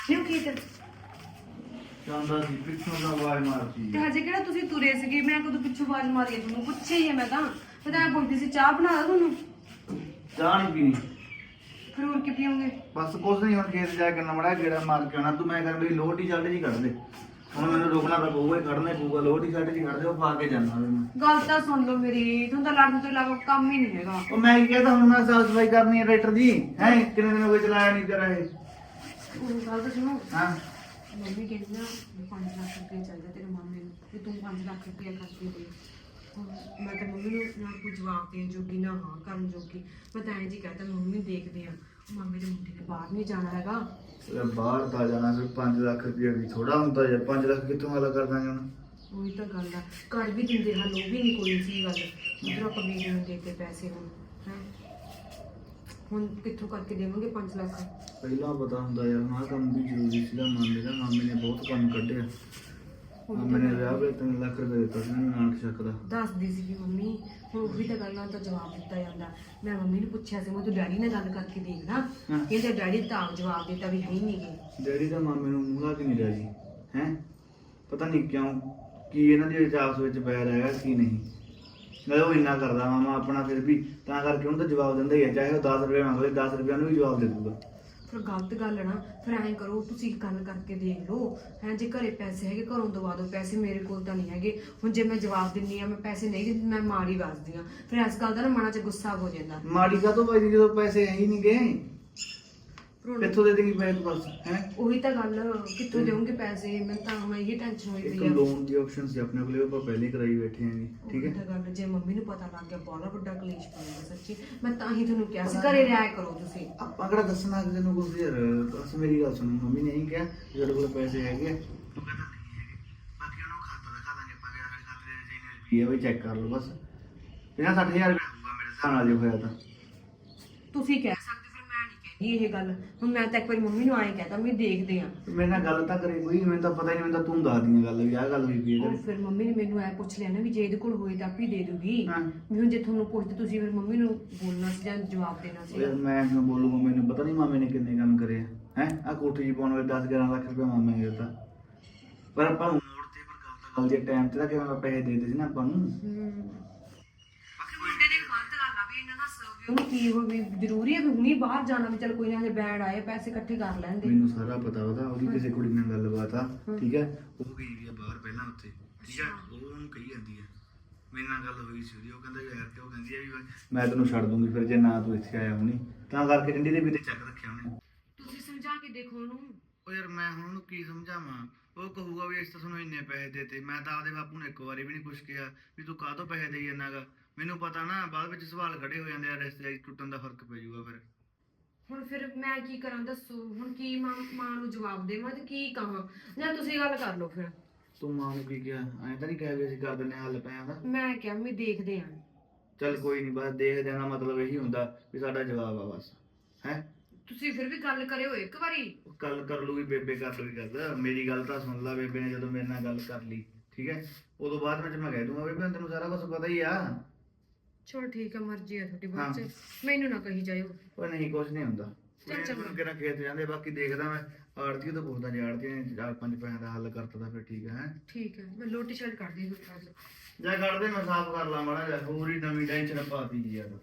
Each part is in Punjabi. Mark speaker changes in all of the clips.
Speaker 1: ਨਿਉ ਕੀ ਤੇ
Speaker 2: ਜਾਂਦਾ ਸੀ ਪਿੱਛੋਂ ਦਾ ਆਵਾਜ਼ ਮਾਰਦੀ
Speaker 1: ਹਜੇ ਕਿਹੜਾ ਤੁਸੀਂ ਤੁਰੇ ਸੀਗੇ, ਮੈਂ ਕਦੋਂ ਪਿੱਛੋਂ ਆਵਾਜ਼ ਮਾਰੀ ਹੈ ਤੁਹਾਨੂੰ? ਪੁੱਛਿਆ ਹੀ ਹੈ ਮੈਂ ਤਾਂ ਪੁੱਛਦੀ ਸੀ ਚਾਹ ਬਣਾ ਦਾਂ ਤੁਹਾਨੂੰ?
Speaker 2: ਚਾਹ ਨਹੀਂ ਪੀਣੀ।
Speaker 1: ਫਿਰ ਹੋਰ ਕੀ ਪੀਓਗੇ?
Speaker 2: ਬਸ ਕੁਛ ਨਹੀਂ, ਹੁਣ ਖੇਤ ਜਾ ਕੇ ਨਮੜਾ ਗੇੜਾ ਮਾਰ ਕੇ ਆਉਣਾ। ਤੂੰ ਮੈਂ ਕਰ ਮੇਰੀ ਲੋਹ ਟੀ ਸ਼ਰਟ ਜੀ ਕੱਢ ਦੇ, ਹੁਣ ਮੈਨੂੰ ਰੁਕਣਾ ਤਾਂ ਪਊਗਾ ਹੀ, ਕੱਢਣਾ ਹੀ ਪਊਗਾ। ਲੋਹ ਟੀ ਸ਼ਰਟ ਜੀ ਕੱਢ ਦੇ, ਉਹ ਪਾ ਕੇ ਜਾਣਾ ਮੈਂ।
Speaker 1: ਗੱਲ ਤਾਂ ਸੁਣ ਲਓ ਮੇਰੀ, ਤੁਹਾਨੂੰ ਤਾਂ ਲੜਨ ਤੋਂ ਇਲਾਵਾ ਕੰਮ ਹੀ ਨਹੀਂ ਹੈਗਾ।
Speaker 2: ਉਹ ਮੈਂ ਕੀ ਕਹਤਾ, ਹੁਣ ਮੈਂ ਸਾਫ ਸਫਾਈ ਕਰਨੀ ਹੈ ਟਰੈਕਟਰ ਦੀ ਹੈ। ਕਿੰਨੇ ਦਿਨ ਹੋ ਗਏ ਚਲਾਇਆ ਨਹੀਂ ਤੇਰਾ ਇਹ।
Speaker 1: ਉਹ ਗੱਲ ਤਾਂ ਸੁਣੋ,
Speaker 2: ਹਾਂ
Speaker 1: ਮੰਮੀ ਕਹਿੰਦੀ ਨਾ 5 ਲੱਖ ਰੁਪਏ ਚਾਹੀਦਾ ਤੇਰੇ ਮਾਮੇ ਨੂੰ, ਵੀ ਤੂੰ 5 ਲੱਖ ਰੁਪਏ ਖਰਚ ਦੇ। ਹੁਣ ਮੈਂ ਤਾਂ ਮੰਮੀ ਨੂੰ ਨਾ ਕੋਈ ਜਵਾਬ ਦੇਣ ਜੋਗੀ ਨਾ ਹਾਂ ਕਰਨ ਜੋਗੀ। ਮੈਂ ਤਾਂ ਐਂ ਜੀ ਕਹਤਾ ਮੰਮੀ ਦੇਖਦੇ ਆ, ਮਾਮੇ ਦੇ ਮੁੰਡੇ ਨੇ ਬਾਹਰ ਨਹੀਂ ਜਾਣਾ ਹੈਗਾ।
Speaker 2: ਯਾਰ ਬਾਹਰ ਤਾਂ ਜਾਣਾ, ਫਿਰ 5 ਲੱਖ ਰੁਪਏ ਵੀ ਥੋੜਾ ਹੁੰਦਾ ਯਾਰ। 5 ਲੱਖ ਕਿੱਥੋਂ ਹੱਲ ਕਰ ਦਾਂਗੇ ਹੁਣ?
Speaker 1: ਉਹੀ ਤਾਂ ਗੱਲ ਆ, ਘਰ ਵੀ ਦਿੰਦੇ ਹਨ, ਉਹ ਵੀ ਨਹੀਂ ਕੋਈ ਸੀ ਗੱਲ। ਉਧਰੋਂ ਆਪਾਂ ਵੀਰੇ ਨੂੰ ਦੇ ਕੇ ਪੈਸੇ ਹੁਣ ਕਿੱਥੋਂ ਕਰਕੇ ਦੇਵਾਂਗੇ 5 ਲੱਖ?
Speaker 2: ਪਹਿਲਾਂ ਪਤਾ ਹੁੰਦਾ ਯਾਰ, ਆਹ ਕੰਮ ਵੀ ਜ਼ਰੂਰੀ ਸੀਗਾ। ਮਾਮੇ ਨੇ ਬਹੁਤ ਕੰਮ ਕੱਢਿਆ। ਮਾਮੇ ਨੇ ਵਿਆਹ ਵੇ 3 ਲੱਖ ਰੁਪਏ ਦਿੱਤਾ ਸੀ ਮੈਨੂੰ, ਨਾਨਕ ਸ਼ੱਕ ਦਾ।
Speaker 1: ਦੱਸਦੀ ਸੀਗੀ ਮੰਮੀ। ਹੁਣ ਉਹੀ ਤਾਂ ਗੱਲਾਂ ਤਾਂ ਜਵਾਬ ਦਿੱਤਾ ਜਾਂਦਾ। ਮੈਂ ਮੰਮੀ ਨੂੰ ਪੁੱਛਿਆ ਸੀ, ਮੈਂ ਤੂੰ ਡੈਡੀ ਨਾਲ ਗੱਲ ਕਰਕੇ ਦੇਖਣਾ। ਕਹਿੰਦੇ ਡੈਡੀ ਤਾਂ ਆਪ ਜਵਾਬ ਦਿੱਤਾ ਵੀ ਹੈ ਹੀ ਨਹੀਂ ਗੇ।
Speaker 2: ਡੈਡੀ ਦਾ ਮਾਮੇ ਨੂੰ ਮੂੰਹ ਲਾ ਕੇ ਨਹੀਂ ਰਿਹਾ ਜੀ ਹੈ। ਪਤਾ ਨਹੀਂ ਕਿਉਂ, ਕੀ ਇਹਨਾਂ ਦੀ ਆਪਸ ਵਿੱਚ ਬੈਰ ਹੈਗਾ ਕੀ ਨਹੀਂ। ਨਾਲੇ ਉਹ ਇੰਨਾ ਕਰਦਾ ਮਾਮਾ ਆਪਣਾ, ਫਿਰ ਵੀ ਤਾਂ ਕਰਕੇ ਉਹਨੂੰ ਤਾਂ ਜਵਾਬ ਦਿੰਦਾ ਹੀ ਹੈ। ਚਾਹੇ ਉਹ 10 ਰੁਪਏ ਮੰਗਦੇ, 10 ਰੁਪਏ ਨੂੰ ਵੀ ਜਵਾਬ ਦੇ ਦੂਗਾ।
Speaker 1: ਫਿਰ ਗਲਤ ਗੱਲ ਹੈ ਨਾ। ਫਿਰ ਐਂ ਕਰੋ, ਤੁਸੀਂ ਗੱਲ ਕਰਕੇ ਦੇਖ ਲਓ ਹੈ। ਜੇ ਘਰੇ ਪੈਸੇ ਹੈਗੇ ਘਰੋਂ ਦਵਾ ਦਿਓ ਪੈਸੇ, ਮੇਰੇ ਕੋਲ ਤਾਂ ਨਹੀਂ ਹੈਗੇ। ਹੁਣ ਜੇ ਮੈਂ ਜਵਾਬ ਦਿੰਨੀ ਆ, ਮੈਂ ਪੈਸੇ ਨਹੀਂ ਦਿੰਦੀ, ਮੈਂ ਮਾੜੀ ਵੱਜਦੀ ਆ। ਫਿਰ ਇਸ ਗੱਲ ਦਾ ਨਾ ਮਨਾਂ 'ਚ ਗੁੱਸਾ ਹੋ ਜਾਂਦਾ।
Speaker 2: ਮਾੜੀ ਕਾ ਤੋਂ ਭਾਈ ਜਦੋਂ ਪੈਸੇ ਹੈ ਹੀ ਨਹੀਂ ਗਏ, ਕਿੱਥੋਂ ਦੇ ਦੇਂਗੀ ਪੈਸੇ ਬਸ ਹੈ।
Speaker 1: ਉਹੀ ਤਾਂ ਗੱਲ, ਕਿੱਥੋਂ ਦੇਵਾਂਗੇ ਪੈਸੇ? ਮੈਨੂੰ ਤਾਂ ਹੁਣ ਇਹੀ ਟੈਨਸ਼ਨ ਹੋਈ
Speaker 2: ਇੱਕ
Speaker 1: ਪਈ ਆ।
Speaker 2: ਲੋਨ ਦੀ ਆਪਸ਼ਨ ਸੀ ਆਪਣੇ ਕੋਲੇ, ਆਪਾਂ ਪਹਿਲੇ ਕਰਾਈ ਬੈਠੇ ਆਂ ਜੀ। ਠੀਕ
Speaker 1: ਉਹੀ
Speaker 2: ਹੈ,
Speaker 1: ਤਾਂ ਗੱਲ, ਜੇ ਮੰਮੀ ਨੂੰ ਪਤਾ ਲੱਗ ਗਿਆ ਬਹੁਤ ਵੱਡਾ ਕਲੇਸ਼ ਪਾਏਗਾ ਸੱਚੀ। ਮੈਂ ਤਾਂ ਹੀ ਤੁਹਾਨੂੰ ਕਿਹਾ ਸੀ ਘਰੇ ਰਹਿ ਕਰੋ ਤੁਸੀਂ।
Speaker 2: ਆਪਾਂ ਕਿਹੜਾ ਦੱਸਣਾ ਕਿਸੇ ਨੂੰ ਕੁਝ ਯਾਰ। ਬਸ ਮੇਰੀ ਗੱਲ ਸੁਣੋ, ਮੰਮੀ ਨੇ ਇਹੀ ਕਿਹਾ ਕਿ ਤੁਹਾਡੇ ਕੋਲ ਪੈਸੇ ਹੈਗੇ ਆ। ਤੂੰ ਕਹਿੰਦਾ ਨਹੀਂ ਹੈਗੇ, ਬਾਕੀ ਉਹਨੂੰ ਖਾਤਾ ਦਿਖਾ ਦਾਂਗੇ ਆਪਾਂ। ਕਿ ਸਾਡੇ ਖਾਤੇ ਦੇ ਵਿੱਚ ਇੰਨੇ ਰੁਪਏ ਬਈ ਚੈੱਕ ਕਰ ਲਓ ਬਸ। 50-60 ਹਜ਼ਾਰ ਰੁਪਏ ਹੋਊਗਾ ਮੇਰੇ ਹਿਸਾਬ ਨਾਲ ਜੇ ਹੋਇਆ ਤਾਂ।
Speaker 1: ਤੁਸੀਂ ਕਹਿ ਸਕਦੇ, ਫਿਰ ਮੈਂ ਨਹੀਂ ਕਹਿੰਦੀ ਇਹ ਗੱਲ। ਹੁਣ ਮੈਂ ਤਾਂ ਇੱਕ ਵਾਰੀ ਮੰਮੀ ਨੂੰ ਆਏ ਕਹਿਤਾ ਵੀ ਦੇਖਦੇ ਆ।
Speaker 2: ਮੇਰੇ ਨਾਲ ਗੱਲ ਤਾਂ ਕਰੇ ਕੋਈ, ਮੈਨੂੰ ਤਾਂ ਪਤਾ ਹੀ ਨਹੀਂ। ਮੈਨੂੰ ਤਾਂ ਤੂੰ ਦੱਸ ਦੀਆਂ ਗੱਲ ਵੀ ਆਹ ਗੱਲ ਹੋਈ ਪਈ
Speaker 1: ਉਹ
Speaker 2: ਇਹਦੇ।
Speaker 1: ਫਿਰ ਮੰਮੀ ਨੇ ਮੈਨੂੰ ਐ ਪੁੱਛ ਲਿਆ ਨਾ ਵੀ ਜੇ ਇਹਦੇ ਕੋਲ ਹੋਏ ਤਾਂ ਆਪੀ ਦੇ ਦੂਗੀ।
Speaker 2: ਹਾਂ।
Speaker 1: ਵੀ ਹੁਣ ਜੇ ਤੁਹਾਨੂੰ ਪੁੱਛਦੇ ਤੁਸੀਂ ਫਿਰ ਮੰਮੀ ਨੂੰ ਬੋਲਣਾ ਸੀ ਜਾਂ ਜਵਾਬ ਦੇਣਾ ਸੀ।
Speaker 2: ਯਾਰ ਮੈਂ ਕਿਉਂ ਬੋਲੂਗਾ? ਮੈਨੂੰ ਪਤਾ ਨਹੀਂ ਮਾਮੇ ਨੇ ਕਿੰਨੇ ਕੰਮ ਕਰੇ ਹੈ। ਆਹ ਕੋਠੀ ਜੀ ਪਾਉਣ ਵੇਲੇ 10-11 ਲੱਖ ਰੁਪਏ ਮਾਮੇ ਨੇ ਦਿੱਤਾ। ਪਰ ਆਪਾਂ ਨੂੰ ਮੋੜ ਤੇ ਪਰ ਗੱਲ ਜੇ ਟਾਈਮ ਤੇ ਤਾਂ ਕਿਵੇਂ ਪੈਸੇ ਦੇ ਦਿੱਤੇ ਸੀ ਨਾ ਆਪਾਂ ਨੂੰ।
Speaker 1: ਮੁੰਡੇ ਦੀ ਗਲਤ ਗੱਲ ਆ ਵੀ ਇਹਨਾਂ ਦਾ ਉਹਨੂੰ ਕੀ ਹੋ ਵੀ ਜ਼ਰੂਰੀ ਹੈ ਵੀ ਹੁਣੀ ਬਾਹਰ ਜਾਣਾ ਵੀ ਚਲ ਕੋਈ ਨਾ, ਹਜੇ ਬੈਂਡ ਆਏ ਪੈਸੇ ਇਕੱਠੇ ਕਰ ਲੈਂਦੇ।
Speaker 2: ਮੈਨੂੰ ਸਾਰਾ ਪਤਾ ਉਹਦਾ, ਉਹਦੀ ਕਿਸੇ ਕੁੜੀ ਨਾਲ ਗੱਲਬਾਤ ਆ। ਠੀਕ ਹੈ, ਉਹ ਗਈ ਵੀ ਆ ਬਾਹਰ ਪਹਿਲਾਂ ਉੱਥੇ। ਠੀਕ ਹੈ, ਉਹ ਉਹਨੂੰ ਕਹੀ ਜਾਂਦੀ ਹੈ। ਮੇਰੇ ਨਾਲ ਗੱਲ ਹੋਈ ਸੀ ਉਹਦੀ, ਉਹ ਕਹਿੰਦਾ ਯਾਰ ਤੇ ਉਹ ਕਹਿੰਦੀ ਆ ਵੀ ਮੈਂ ਤੈਨੂੰ ਛੱਡ ਦੂੰਗੀ ਫਿਰ ਜੇ ਨਾ ਤੂੰ ਇੱਥੇ ਆਇਆ ਹੁਣੀ। ਤਾਂ ਕਰਕੇ ਡੰਡੀ ਦੇ ਵੀ ਤੇ ਚੱਕ ਰੱਖਿਆ ਉਹਨੇ।
Speaker 1: ਤੁਸੀਂ ਸਮਝਾ ਕੇ ਦੇਖੋ ਉਹਨੂੰ।
Speaker 2: ਉਹ ਯਾਰ ਮੈਂ ਹੁਣ ਉਹਨੂੰ ਕੀ ਸਮਝਾਵਾਂ? ਉਹ ਕਹੂਗਾ ਵੀ ਇਸ ਤਾਂ ਤੁਹਾਨੂੰ ਇੰਨੇ ਪੈਸੇ ਦੇਤੇ। ਮੈਂ ਤਾਂ ਆਪਦੇ ਬਾਪੂ ਨੂੰ ਇੱਕ ਵਾਰੀ ਵੀ ਨਹੀਂ ਕੁਛ ਕਿਹਾ ਵੀ ਤੂੰ ਕਾਹਤੋਂ ਪੈਸੇ ਦੇਈ ਜਾਂਦਾ ਗਾ। ਮੈਨੂੰ ਪਤਾ ਨਾ ਬਾਅਦ ਵਿੱਚ ਸਵਾਲ ਖੜੇ ਹੋ ਜਾਂਦੇ ਆ, ਰਿਸ਼ਤੇਦਾਰੀ ਟੁੱਟਣ ਦਾ ਫਰਕ ਪੈ ਜਾਊਗਾ ਫਿਰ।
Speaker 1: ਹੁਣ ਫਿਰ ਮੈਂ ਕੀ ਕਰਾਂ ਦੱਸੋ? ਹੁਣ ਕੀ ਮਾਂ ਨੂੰ ਜਵਾਬ ਦੇਵਾਂ ਤੇ ਕੀ ਕਹਾਂ? ਜਾਂ ਤੁਸੀਂ ਗੱਲ ਕਰ ਲਓ ਫਿਰ।
Speaker 2: ਤੂੰ ਮਾਂ ਨੂੰ ਕੀ ਕਿਹਾ? ਐਂ ਤਾਂ ਨਹੀਂ ਕਿਹਾ ਵੀ ਅਸੀਂ ਕਰ ਦਿੰਦੇ ਹਾਂ ਹੱਲ ਪੈਸਿਆਂ ਦਾ।
Speaker 1: ਮੈਂ ਕਿਹਾ ਵੀ ਦੇਖਦੇ ਆਂ।
Speaker 2: ਚੱਲ ਕੋਈ ਨਹੀਂ, ਬਸ ਦੇਖ ਦੇਣਾ ਮਤਲਬ ਇਹੀ ਹੁੰਦਾ ਵੀ ਸਾਡਾ ਜਵਾਬ ਆ ਬਸ ਹੈ।
Speaker 1: ਤੁਸੀਂ ਫਿਰ ਵੀ ਗੱਲ ਕਰਿਓ ਇੱਕ ਵਾਰੀ।
Speaker 2: ਗੱਲ ਕਰ ਲੂਗੀ ਬੇਬੇ, ਕਰ ਲੂਗੀ ਗੱਲ। ਮੇਰੀ ਗੱਲ ਤਾਂ ਸੁਣ ਲਾ ਬੇਬੇ ਨੇ ਜਦੋਂ ਮੇਰੇ ਨਾਲ ਗੱਲ ਕਰ ਲਈ। ਠੀਕ ਹੈ, ਉਦੋਂ ਬਾਅਦ ਵਿੱਚ ਮੈਂ ਕਹਿ ਦੂੰਗਾ ਬੇਬੇ ਤੈਨੂੰ ਸਾਰਾ ਕੁਝ ਪਤਾ ਹੀ ਆ।
Speaker 1: ਚਲੋ ਠੀਕ ਹੈ, ਮਰਜ਼ੀ ਆ ਤੁਹਾਡੀ। ਬਾਅਦ ਚ ਮੈਨੂੰ ਨਾ ਕਹੀ ਜਾਇਓ।
Speaker 2: ਉਹ ਨਹੀਂ ਕੁਝ ਨਹੀਂ ਹੁੰਦਾ।
Speaker 1: ਚੱਲ ਚੰਗਾ।
Speaker 2: ਕਿਹੜਾ ਖੇਤ ਜਾਂਦੇ, ਬਾਕੀ ਦੇਖਦਾ ਮੈਂ ਆੜਤੀ ਤੋਂ ਪੁੱਛਦਾ। ਜੇ ਆੜਤੀ ਨੇ 4-5 ਪੈਸਿਆਂ ਦਾ ਹੱਲ ਕਰਤਾ ਤਾਂ ਫਿਰ ਠੀਕ ਹੈ।
Speaker 1: ਠੀਕ ਹੈ, ਮੈਂ ਲੋਟੀ ਸ਼ਰਟ ਕੱਢਦੀ ਹਾਂ।
Speaker 2: ਜਾ ਕੱਢਦੇ, ਮੈਂ ਸਾਫ਼ ਕਰ ਲਾ ਮਾੜਾ ਜਿਹਾ। ਹੋਰ ਹੀ ਨਵੀਂ ਟੈਨਸ਼ਨ ਪਾਤੀ ਜੀ ਯਾਰ।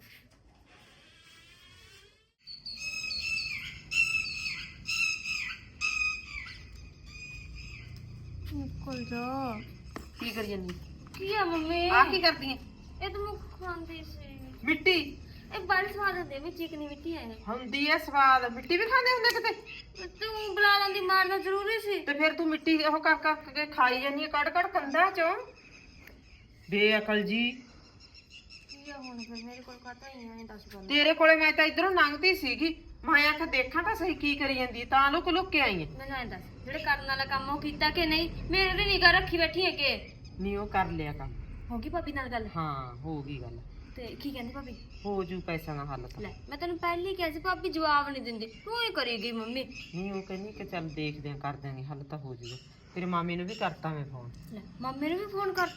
Speaker 3: ਨਿਕਲ ਜਾ।
Speaker 1: ਕੀ ਕਰੀ ਜਾਂਦੀ?
Speaker 3: ਕੀ ਆ ਮੰਮੀ?
Speaker 1: ਆ ਕੀ ਕਰਦੀ ਹੈ?
Speaker 3: ਇਹ ਤਾਂ ਮੈਂ ਖਾਂਦੀ ਸੀ।
Speaker 1: ਮਿੱਟੀ
Speaker 3: ਇਹ ਬੜੀ ਸਵਾਦ ਹੁੰਦੀ ਹੈ, ਚਿਕਨੀ ਮਿੱਟੀ ਹੈ।
Speaker 1: ਹੁੰਦੀ ਹੈ ਸਵਾਦ। ਮਿੱਟੀ ਵੀ ਖਾਂਦੇ ਹੁੰਦੇ ਕਿਤੇ?
Speaker 3: ਤੂੰ ਬੁਲਾ ਲੈਂਦੀ, ਮਾਰਨਾ ਜ਼ਰੂਰੀ ਸੀ।
Speaker 1: ਤੇ ਫਿਰ ਤੂੰ ਮਿੱਟੀ ਉਹ ਕਰ ਕੇ ਖਾਈ ਜਾਂਦੀ ਹੈ ਕੱਢ ਕੱਢ ਕੰਧਾਂ ਚੋਂ। ਬੇਅਕਲ ਜੀ।
Speaker 3: ਕੀ ਆ ਹੁਣ ਫਿਰ ਮੇਰੇ ਕੋਲ ਕਾਹਤੋਂ ਹੀ ਆਏ ਦੱਸ ਗੱਲ।
Speaker 1: ਤੇਰੇ ਕੋਲੇ ਮੈਂ ਤਾਂ ਇਧਰੋਂ ਲੰਘਦੀ ਸੀਗੀ, ਮੈਂ ਆਖਿਆ ਦੇਖਾਂ ਤਾਂ ਸਹੀ ਕੀ ਕਰੀ ਜਾਂਦੀ ਹੈ, ਤਾਂ ਲੁਕ ਲੁਕ ਕੇ ਆਈ ਹੈ।
Speaker 3: ਮੈਨੂੰ ਐਂ ਦੱਸ, ਜਿਹੜੇ ਕਰਨ ਵਾਲਾ ਕੰਮ ਉਹ ਕੀਤਾ ਕਿ ਨਹੀਂ? ਮੇਰੇ ਤੇ ਨਿਗਾਹ ਰੱਖੀ ਬੈਠੀ ਹੈ ਕਿ
Speaker 1: ਨਹੀਂ? ਉਹ ਕਰ ਲਿਆ ਕੰਮ।
Speaker 3: ਹੋ ਗਈ ਭਾਬੀ ਨਾਲ ਗੱਲ?
Speaker 1: ਹਾਂ ਹੋ ਗਈ ਗੱਲ।
Speaker 3: ਤੇ ਕੀ ਕਹਿੰਦੀ ਭਾਬੀ?
Speaker 1: ਹੋ ਜੂ ਪੈਸਾ ਦਾ ਹੱਲ ਤਾਂ।
Speaker 3: ਲੈ ਮੈਂ ਤੈਨੂੰ ਪਹਿਲਾਂ ਹੀ ਕਿਹਾ ਸੀ ਭਾਬੀ ਜਵਾਬ ਨਹੀਂ ਦਿੰਦੀ, ਤੂੰ ਹੀ ਕਰੀ ਗਈ ਮੰਮੀ।
Speaker 1: ਨਹੀਂ ਉਹ ਕਹਿੰਦੀ ਕਿ ਚੱਲ ਦੇਖਦੇ ਆਂ ਕਰ ਦਿਆਂਗੇ ਹੱਲ ਤਾਂ ਹੋ ਜੂਗਾ। ਤੇਰੇ ਮਾਮੇ ਨੂੰ ਵੀ ਕਰਤਾ ਮੈਂ ਫੋਨ।
Speaker 3: ਲੈ ਮੰਮੀ ਨੂੰ ਵੀ ਫੋਨ ਕਰਤਾ?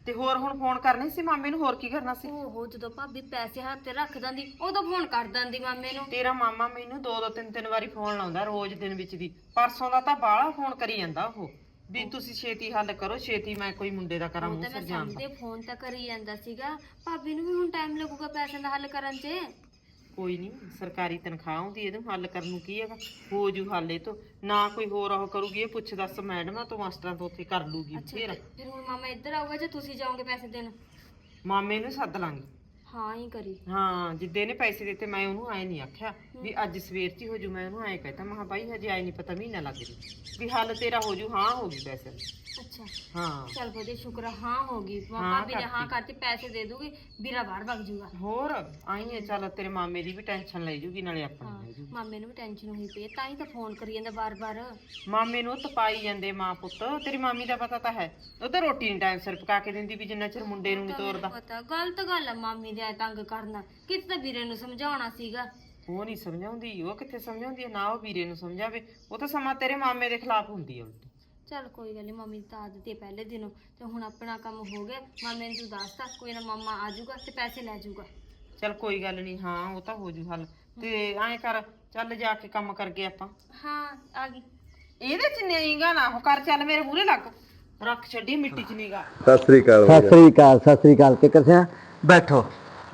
Speaker 4: ਤੇ ਹੋਰ ਹੁਣ ਫੋਨ ਕਰਨੇ ਸੀ ਮਾਮੇ ਨੂੰ, ਹੋਰ ਕੀ ਕਰਨਾ ਸੀ?
Speaker 3: ਓਹੋ ਜਦੋਂ ਭਾਬੀ ਪੈਸੇ ਹੱਥ ਤੇ ਰੱਖ ਦਿੰਦੀ ਉਦੋਂ ਫੋਨ ਕਰ ਦਿੰਦੀ ਮਾਮੇ ਨੂੰ।
Speaker 4: ਤੇਰਾ ਮਾਮਾ ਮੈਨੂੰ ਦੋ ਤਿੰਨ ਵਾਰੀ ਫੋਨ ਲਾਉਂਦਾ ਰੋਜ਼ ਦਿਨ ਵਿੱਚ ਦੀ। ਪਰਸੋਂ ਦਾ ਤਾਂ ਬਾਹਲਾ ਫੋਨ ਕਰੀ ਜਾਂਦਾ ਉਹ ਵੀ ਤੁਸੀਂ ਛੇਤੀ ਹੱਲ ਕਰੋ, ਛੇਤੀ ਮੈਂ ਕੋਈ ਮੁੰਡੇ ਦਾ ਕਰਾਂ
Speaker 3: ਉਹ
Speaker 4: ਮੂੰਹ
Speaker 3: ਤਾਂ ਮੈਂ
Speaker 4: ਸਿਰ ਜਾਣ
Speaker 3: ਸਮਝਦੇ ਫੋਨ ਤਾਂ ਕਰੀ ਜਾਂਦਾ ਸੀਗਾ, ਭਾਬੀ ਨੂੰ ਵੀ ਹੁਣ ਟਾਈਮ ਲੱਗੂਗਾ ਪੈਸਿਆਂ ਦਾ ਹੱਲ ਕਰਨ 'ਚ।
Speaker 4: ਕੋਈ ਨਹੀਂ, ਸਰਕਾਰੀ ਤਨਖਾਹ ਆਉਂਦੀ, ਇਹਨੂੰ ਹੱਲ ਕਰਨ ਨੂੰ ਕੀ ਹੈਗਾ, ਹੋ ਜੂ ਹੱਲ ਇਹ ਤੋਂ। ਨਾ ਕੋਈ ਹੋਰ ਉਹ ਕਰੂਗੀ, ਇਹ ਪੁੱਛ ਦੱਸ ਮੈਡਮਾਂ ਤੋਂ ਮਾਸਟਰਾਂ ਤੋਂ ਉੱਥੇ ਕਰ ਲੂਗੀ।
Speaker 3: ਅੱਛਾ ਫਿਰ ਹੁਣ ਮਾਮਾ ਇੱਧਰ ਆਊਗਾ ਜਾਂ ਤੁਸੀਂ ਜਾਓਗੇ ਪੈਸੇ ਦੇਣ?
Speaker 4: ਮਾਮੇ ਨੂੰ ਸੱਦ ਲਾਂਗੇ।
Speaker 3: ਹਾਂ ਹੀ ਕਰੀ।
Speaker 4: ਹਾਂ ਜਿੱਦੇ ਨੇ ਪੈਸੇ ਦਿੱਤੇ ਮੈਂ ਉਹਨੂੰ ਐ ਨਹੀਂ ਆਖਿਆ ਵੀ ਅੱਜ ਸਵੇਰ 'ਚ ਹੀ ਹੋ ਜੂ, ਮੈਂ ਉਹਨੂੰ ਐ ਕਹਿਤਾ ਮੈਂ ਕਿਹਾ ਬਾਈ ਹਜੇ ਆਈ ਨਹੀਂ ਪਤਾ ਮਹੀਨਾ ਲੱਗ ਜੂ ਵੀ ਹੱਲ ਤੇਰਾ ਹੋ ਜੂ। ਹਾਂ ਹੋ ਗਈ ਪੈਸੇ।
Speaker 3: ਅੱਛਾ
Speaker 4: ਹਾਂ
Speaker 3: ਚੱਲ ਵਧੀਆ, ਸ਼ੁਕਰ ਆ, ਹਾਂ ਹੋ ਗਈ।
Speaker 4: ਹਾਂ,
Speaker 3: ਭਾਬੀ ਨੇ ਹਾਂ ਕਰਤੀ, ਪੈਸੇ ਦੇ ਦੂਗੀ, ਵੀਰਾ ਬਾਹਰ ਵਗ ਜੂਗਾ।
Speaker 4: ਹੋਰ ਆਈ ਹੈ, ਚੱਲ ਤੇਰੇ ਮਾਮੇ ਦੀ ਵੀ ਟੈਨਸ਼ਨ ਲੈ ਜੂਗੀ ਨਾਲੇ ਆਪਣੀ
Speaker 3: ਹਾਂ
Speaker 4: ਲੈ ਜੂਗੀ।
Speaker 3: ਮਾਮੇ ਨੂੰ ਵੀ ਟੈਨਸ਼ਨ ਹੋਈ ਪਈ ਹੈ, ਤਾਂ ਹੀ ਤਾਂ ਫੋਨ ਕਰੀ ਜਾਂਦਾ ਬਾਰ-ਬਾਰ।
Speaker 4: ਮਾਮੇ ਨੂੰ ਤਪਾਈ ਜਾਂਦੇ ਮਾਂ ਪੁੱਤ। ਤੇਰੀ ਮਾਮੀ ਦਾ ਪਤਾ ਤਾਂ ਹੈ, ਉਹ ਤਾਂ ਰੋਟੀ ਨਹੀਂ ਟਾਈਮ ਸਿਰ ਪਕਾ ਕੇ ਦਿੰਦੀ ਵੀ ਜਿੰਨਾ ਚਿਰ ਮੁੰਡੇ ਨੂੰ ਨਹੀਂ ਤੋਰਦਾ।
Speaker 3: ਪਤਾ ਗਲਤ ਗੱਲ ਆ ਮਾਮੀ ਦੇ ਐਂ ਤੰਗ ਕਰਨਾ, ਕਿਤੇ ਤਾਂ ਵੀਰੇ ਨੂੰ ਸਮਝਾਉਣਾ ਸੀਗਾ।
Speaker 4: ਉਹ ਨਹੀਂ ਸਮਝਾਉਂਦੀ, ਉਹ ਕਿੱਥੇ ਸਮਝਾਉਂਦੀ ਹੈ, ਨਾ ਉਹ ਵੀਰੇ ਨੂੰ ਸਮਝਾਵੇ। ਉਹ ਤਾਂ ਸਮਾਂ ਤੇਰੇ ਮਾਮੇ ਦੇ ਖਿਲਾਫ ਹੁੰਦੀ ਹੈ ਉਲਟੀ।
Speaker 3: ਚੱਲ ਕੋਈ ਗੱਲ ਨਹੀਂ, ਮੰਮੀ ਦੀ ਤਾਂ ਆਦਤ ਹੈ ਪਹਿਲੇ ਦਿਨੋਂ, ਤੇ ਹੁਣ ਆਪਣਾ ਕੰਮ ਹੋ ਗਿਆ। ਮਾਮੇ ਨੂੰ ਤੂੰ ਦੱਸਤਾ, ਕੋਈ ਨਾ ਮਾਮਾ ਆ ਜਾਊਗਾ ਤੇ ਪੈਸੇ ਲੈ ਜਾਊਗਾ।
Speaker 4: ਚੱਲ ਕੋਈ ਗੱਲ ਨਹੀਂ, ਹਾਂ ਉਹ ਤਾਂ ਹੋ ਜੂ ਹੱਲ। ਤੇ ਐਂ ਕਰ, ਚੱਲ ਜਾ ਕੇ ਕੰਮ ਕਰਕੇ ਆਪਾਂ।
Speaker 3: ਹਾਂ ਆ ਗਈ।
Speaker 4: ਇਹਦੇ ਚ ਨਹੀਂਗਾ ਨਾ ਉਹ ਕਰ, ਚੱਲ ਮੇਰੇ ਮੂਹਰੇ ਲੱਗ, ਰੱਖ ਛੱਡੀ ਮਿੱਟੀ ਚ ਨੀਗਾ।
Speaker 5: ਸਤਿ ਸ੍ਰੀ ਅਕਾਲ। ਸਤਿ ਸ੍ਰੀ ਅਕਾਲ ਕਿੱਕਰ ਸਿਆ, ਬੈਠੋ।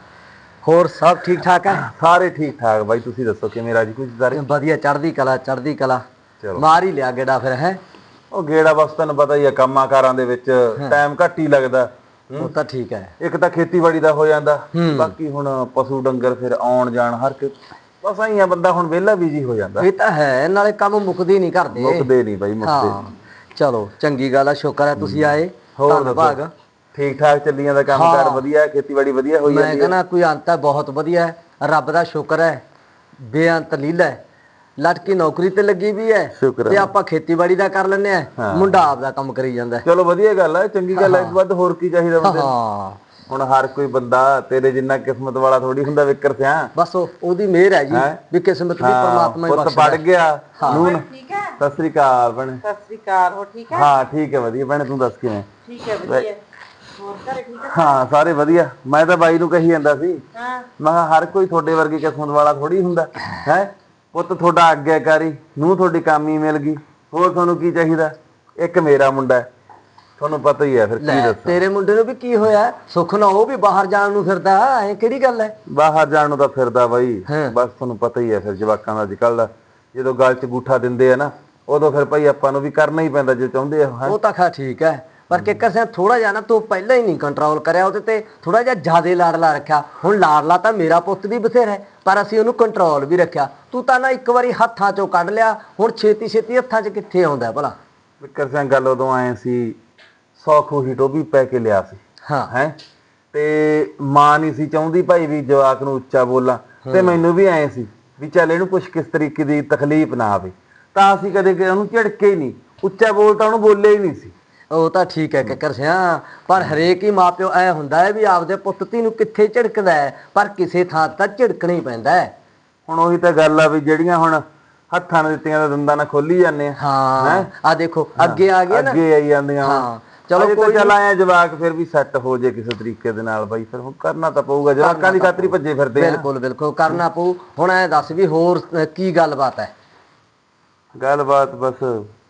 Speaker 5: ਹੋਰ ਸਭ ਠੀਕ ਠਾਕ ਹੈ?
Speaker 2: ਸਾਰੇ ਠੀਕ ਠਾਕ ਬਾਈ, ਤੁਸੀਂ ਦੱਸੋ ਕਿਵੇਂ ਰਾਜੀ ਕੁਝ ਸਾਰੇ?
Speaker 5: ਵਧੀਆ, ਚੜ੍ਹਦੀ ਕਲਾ ਚੜ੍ਹਦੀ ਕਲਾ।
Speaker 2: ਚਲੋ
Speaker 5: ਮਾਰ ਹੀ ਲਿਆ ਗੇੜਾ ਫਿਰ ਹੈ।
Speaker 2: ਉਹ ਗੇੜਾ ਬਸ ਤੁਹਾਨੂੰ ਪਤਾ ਹੀ ਆ, ਕੰਮਾਂ ਕਾਰਾਂ ਦੇ ਵਿੱਚ ਟਾਈਮ ਘੱਟ ਹੀ ਲੱਗਦਾ।
Speaker 5: ਉਹ ਤਾਂ ਠੀਕ ਹੈ।
Speaker 2: ਇੱਕ ਤਾਂ ਖੇਤੀਬਾੜੀ ਦਾ ਹੋ ਜਾਂਦਾ, ਬਾਕੀ ਹੁਣ ਪਸ਼ੂ ਡੰਗਰ ਫਿਰ ਆਉਣ ਜਾਣ ਹਰ ਇੱਕ ਬਸ ਆਈ ਆ, ਬੰਦਾ ਹੁਣ ਵਿਹਲਾ ਬਿਜੀ ਹੋ ਜਾਂਦਾ।
Speaker 5: ਇਹ ਤਾਂ ਹੈ, ਨਾਲੇ ਕੰਮ ਮੁੱਕਦੇ ਨਹੀਂ ਕਰਦੇ।
Speaker 2: ਮੁੱਕਦੇ ਨਹੀਂ ਬਾਈ, ਮੁੱਕਦੇ
Speaker 5: ਹਾਂ ਚਲੋ ਚੰਗੀ ਗੱਲ ਆ, ਸ਼ੁਕਰ ਹੈ ਤੁਸੀਂ ਆਏ।
Speaker 2: ਹੋਰ
Speaker 5: ਧੰਨਵਾਦ।
Speaker 2: ਠੀਕ ਠਾਕ ਚੱਲੀ ਜਾਂਦਾ ਕੰਮਕਾਰ, ਵਧੀਆ ਖੇਤੀਬਾੜੀ ਵਧੀਆ ਹੋਈ
Speaker 5: ਮੈਂ
Speaker 2: ਜਾਂਦੀ ਹੈ।
Speaker 5: ਕਹਿੰਦਾ ਕੋਈ ਅੰਤ ਹੈ, ਬਹੁਤ ਵਧੀਆ ਹੈ, ਰੱਬ ਦਾ ਸ਼ੁਕਰ ਹੈ, ਬੇਅੰਤ ਲੀਲਾ ਹੈ। ਲੜਕੀ ਨੌਕਰੀ ਤੇ ਲੱਗੀ ਵੀ ਹੈ
Speaker 2: ਸ਼ੁਕਰ
Speaker 5: ਤੇ ਆਪਾਂ ਖੇਤੀਬਾੜੀ ਦਾ ਕਰ ਲੈਂਦੇ ਆ, ਮੁੰਡਾ ਆਪਦਾ ਕੰਮ ਕਰੀ ਜਾਂਦਾ।
Speaker 2: ਚਲੋ ਵਧੀਆ ਗੱਲ ਹੈ, ਚੰਗੀ ਗੱਲ ਹੈ, ਇਸ ਤੋਂ ਵੱਧ ਹੋਰ ਕੀ ਚਾਹੀਦਾ ਬੰਦੇ ਨੂੰ।
Speaker 5: ਹਾਂ
Speaker 2: ਹੁਣ ਹਰ ਕੋਈ ਬੰਦਾ ਤੇਰੇ ਜਿੰਨਾ ਕਿਸਮਤ ਵਾਲਾ ਥੋੜੀ ਹੁੰਦਾ ਵਿਕਰ ਸਿਆ।
Speaker 5: ਬਸ ਉਹਦੀ ਮਿਹਰ ਹੈ ਜੀ, ਵੀ ਕਿਸਮਤ ਵੀ ਪਰਮਾਤਮਾ ਹੀ
Speaker 2: ਪੁੱਤ
Speaker 5: ਬਖਸ਼ਦਾ।
Speaker 2: ਪੜ ਗਿਆ ਨੂਨ। ਸਤਿ ਸ੍ਰੀ ਅਕਾਲ ਭੈਣੇ।
Speaker 4: ਸਤਿ ਸ੍ਰੀ ਅਕਾਲ, ਹੋ ਠੀਕ ਹੈ?
Speaker 2: ਹਾਂ ਠੀਕ ਹੈ, ਵਧੀਆ ਭੈਣੇ, ਤੂੰ ਦੱਸ ਕਿਵੇਂ?
Speaker 4: ਠੀਕ ਹੈ, ਵਧੀਆ। ਹੋਰ ਘਰੇ ਠੀਕ ਹੈ?
Speaker 2: ਹਾਂ ਸਾਰੇ ਵਧੀਆ। ਮੈਂ ਤਾਂ ਬਾਈ ਨੂੰ ਕਹੀ ਜਾਂਦਾ ਸੀ, ਮੈਂ ਕਿਹਾ ਹਰ ਕੋਈ ਤੁਹਾਡੇ ਵਰਗੀ ਕਿਸਮਤ ਵਾਲਾ ਥੋੜੀ ਹੁੰਦਾ ਹੈ। ਪੁੱਤ ਤੁਹਾਡਾ ਆਗਿਆਕਾਰੀ, ਨੂੰ ਤੁਹਾਡੀ ਕਾਮੀ ਮਿਲ ਗਈ, ਹੋਰ ਤੁਹਾਨੂੰ ਕੀ ਚਾਹੀਦਾ? ਇੱਕ ਮੇਰਾ ਮੁੰਡਾ ਹੈ, ਤੁਹਾਨੂੰ ਪਤਾ ਹੀ ਹੈ, ਫਿਰ ਕੀ ਦੱਸਾਂ।
Speaker 5: ਤੇਰੇ ਮੁੰਡੇ ਨੂੰ ਵੀ ਕੀ ਹੋਇਆ, ਸੁੱਖ ਨਾ ਉਹ ਵੀ ਬਾਹਰ ਜਾਣ ਨੂੰ ਫਿਰਦਾ, ਐ ਕਿਹੜੀ ਗੱਲ ਹੈ?
Speaker 2: ਬਾਹਰ ਜਾਣ ਨੂੰ ਤਾਂ ਫਿਰਦਾ ਬਾਈ, ਬਸ ਤੁਹਾਨੂੰ ਪਤਾ ਹੀ ਹੈ ਫਿਰ ਜਵਾਕਾਂ ਦਾ ਅੱਜ ਕੱਲ੍ਹ ਦਾ, ਜਦੋਂ ਗਲ 'ਚ ਗੂਠਾ ਦਿੰਦੇ ਆ ਨਾ, ਉਦੋਂ ਫਿਰ ਭਾਈ ਆਪਾਂ ਨੂੰ ਵੀ ਕਰਨਾ ਹੀ ਪੈਂਦਾ ਜੇ ਚਾਹੁੰਦੇ ਆ।
Speaker 5: ਉਹ ਤਾਂ ਖਾ ਠੀਕ ਹੈ, ਪਰ ਕਿੱਕਰ ਸਿਆ ਥੋੜਾ ਜਿਹਾ ਨਾ ਤੂੰ ਪਹਿਲਾਂ ਹੀ ਨਹੀਂ ਕੰਟਰੋਲ ਕਰਿਆ ਉਹਦੇ ਤੇ, ਥੋੜਾ ਜਿਹਾ ਜ਼ਿਆਦਾ ਲਾਡਲਾ ਰੱਖਿਆ। ਹੁਣ ਲਾਡਲਾ ਤਾਂ ਮੇਰਾ ਪੁੱਤ ਵੀ ਬਥੇਰਾ ਹੈ, ਪਰ ਅਸੀਂ ਉਹਨੂੰ ਕੰਟਰੋਲ ਵੀ ਰੱਖਿਆ। ਤੂੰ ਤਾਂ ਨਾ ਇੱਕ ਵਾਰੀ ਹੱਥਾਂ ਚੋਂ ਕੱਢ ਲਿਆ, ਹੁਣ ਛੇਤੀ ਛੇਤੀ ਹੱਥਾਂ 'ਚ ਕਿੱਥੇ ਆਉਂਦਾ ਭਲਾ?
Speaker 2: ਵਿਕਰ ਸਿੰਘ ਗੱਲ ਉਦੋਂ ਆਏ ਸੀ, 100 ਖੂਹੀ ਟੋਬੀ ਪੈ ਕੇ ਲਿਆ ਸੀ।
Speaker 5: ਹਾਂ
Speaker 2: ਹੈ ਤੇ ਮਾਂ ਨਹੀਂ ਸੀ ਚਾਹੁੰਦੀ ਭਾਈ ਵੀ ਜਵਾਕ ਨੂੰ ਉੱਚਾ ਬੋਲਾਂ, ਤੇ ਮੈਨੂੰ ਵੀ ਆਏ ਸੀ ਵੀ ਚੱਲ ਇਹਨੂੰ ਕੁਛ ਕਿਸ ਤਰੀਕੇ ਦੀ ਤਕਲੀਫ ਨਾ ਆਵੇ, ਤਾਂ ਅਸੀਂ ਕਦੇ ਉਹਨੂੰ ਝਿੜਕੇ ਹੀ ਨਹੀਂ, ਉੱਚਾ ਬੋਲ ਤਾਂ ਉਹਨੂੰ ਬੋਲੇ ਹੀ ਨਹੀਂ ਸੀ।
Speaker 5: ਉਹ ਤਾਂ ਠੀਕ ਹੈ ਕਿੱਕਰ ਸਿਆ, ਪਰ ਹਰੇਕ ਹੀ ਮਾਪਿਓ ਐ ਹੁੰਦਾ ਹੈ ਵੀ ਆਪਦੇ ਪੁੱਤ ਧੀ ਨੂੰ ਕਿੱਥੇ ਝਿੜਕਦਾ ਹੈ, ਪਰ ਕਿਸੇ ਥਾਂ ਤਾਂ ਝਿੜਕਣਾ ਹੀ ਪੈਂਦਾ ਹੈ।
Speaker 2: ਹੁਣ ਉਹੀ ਤਾਂ ਗੱਲ ਆ ਵੀ ਜਿਹੜੀਆਂ ਹੁਣ ਹੱਥਾਂ ਨਾਲ ਦਿੱਤੀਆਂ ਦਾ ਦੰਦਾਂ ਨਾਲ ਖੋਲੀ ਜਾਂਦੇ ਆ।
Speaker 5: ਹਾਂ ਆ ਦੇਖੋ ਅੱਗੇ ਆ ਗਿਆ ਨਾ,
Speaker 2: ਅੱਗੇ ਆਈ ਜਾਂਦੀਆਂ।
Speaker 5: ਹਾਂ ਚਲੋ
Speaker 2: ਕੋਈ ਚੱਲ ਆਇਆ ਜਵਾਕ ਫਿਰ ਵੀ ਸੈੱਟ ਹੋ ਜੇ ਕਿਸੇ ਤਰੀਕੇ ਦੇ ਨਾਲ ਬਾਈ, ਫਿਰ ਹੁਣ ਕਰਨਾ ਤਾਂ ਪਊਗਾ, ਜਵਾਕਾਂ ਦੀ ਖਾਤਰ ਹੀ ਭੱਜੇ ਫਿਰਦੇ ਆ।
Speaker 5: ਬਿਲਕੁਲ ਬਿਲਕੁਲ ਕਰਨਾ ਪਊ। ਹੁਣ ਐ ਦੱਸ ਵੀ ਹੋਰ ਕੀ ਗੱਲਬਾਤ ਹੈ?
Speaker 2: ਗੱਲਬਾਤ ਬਸ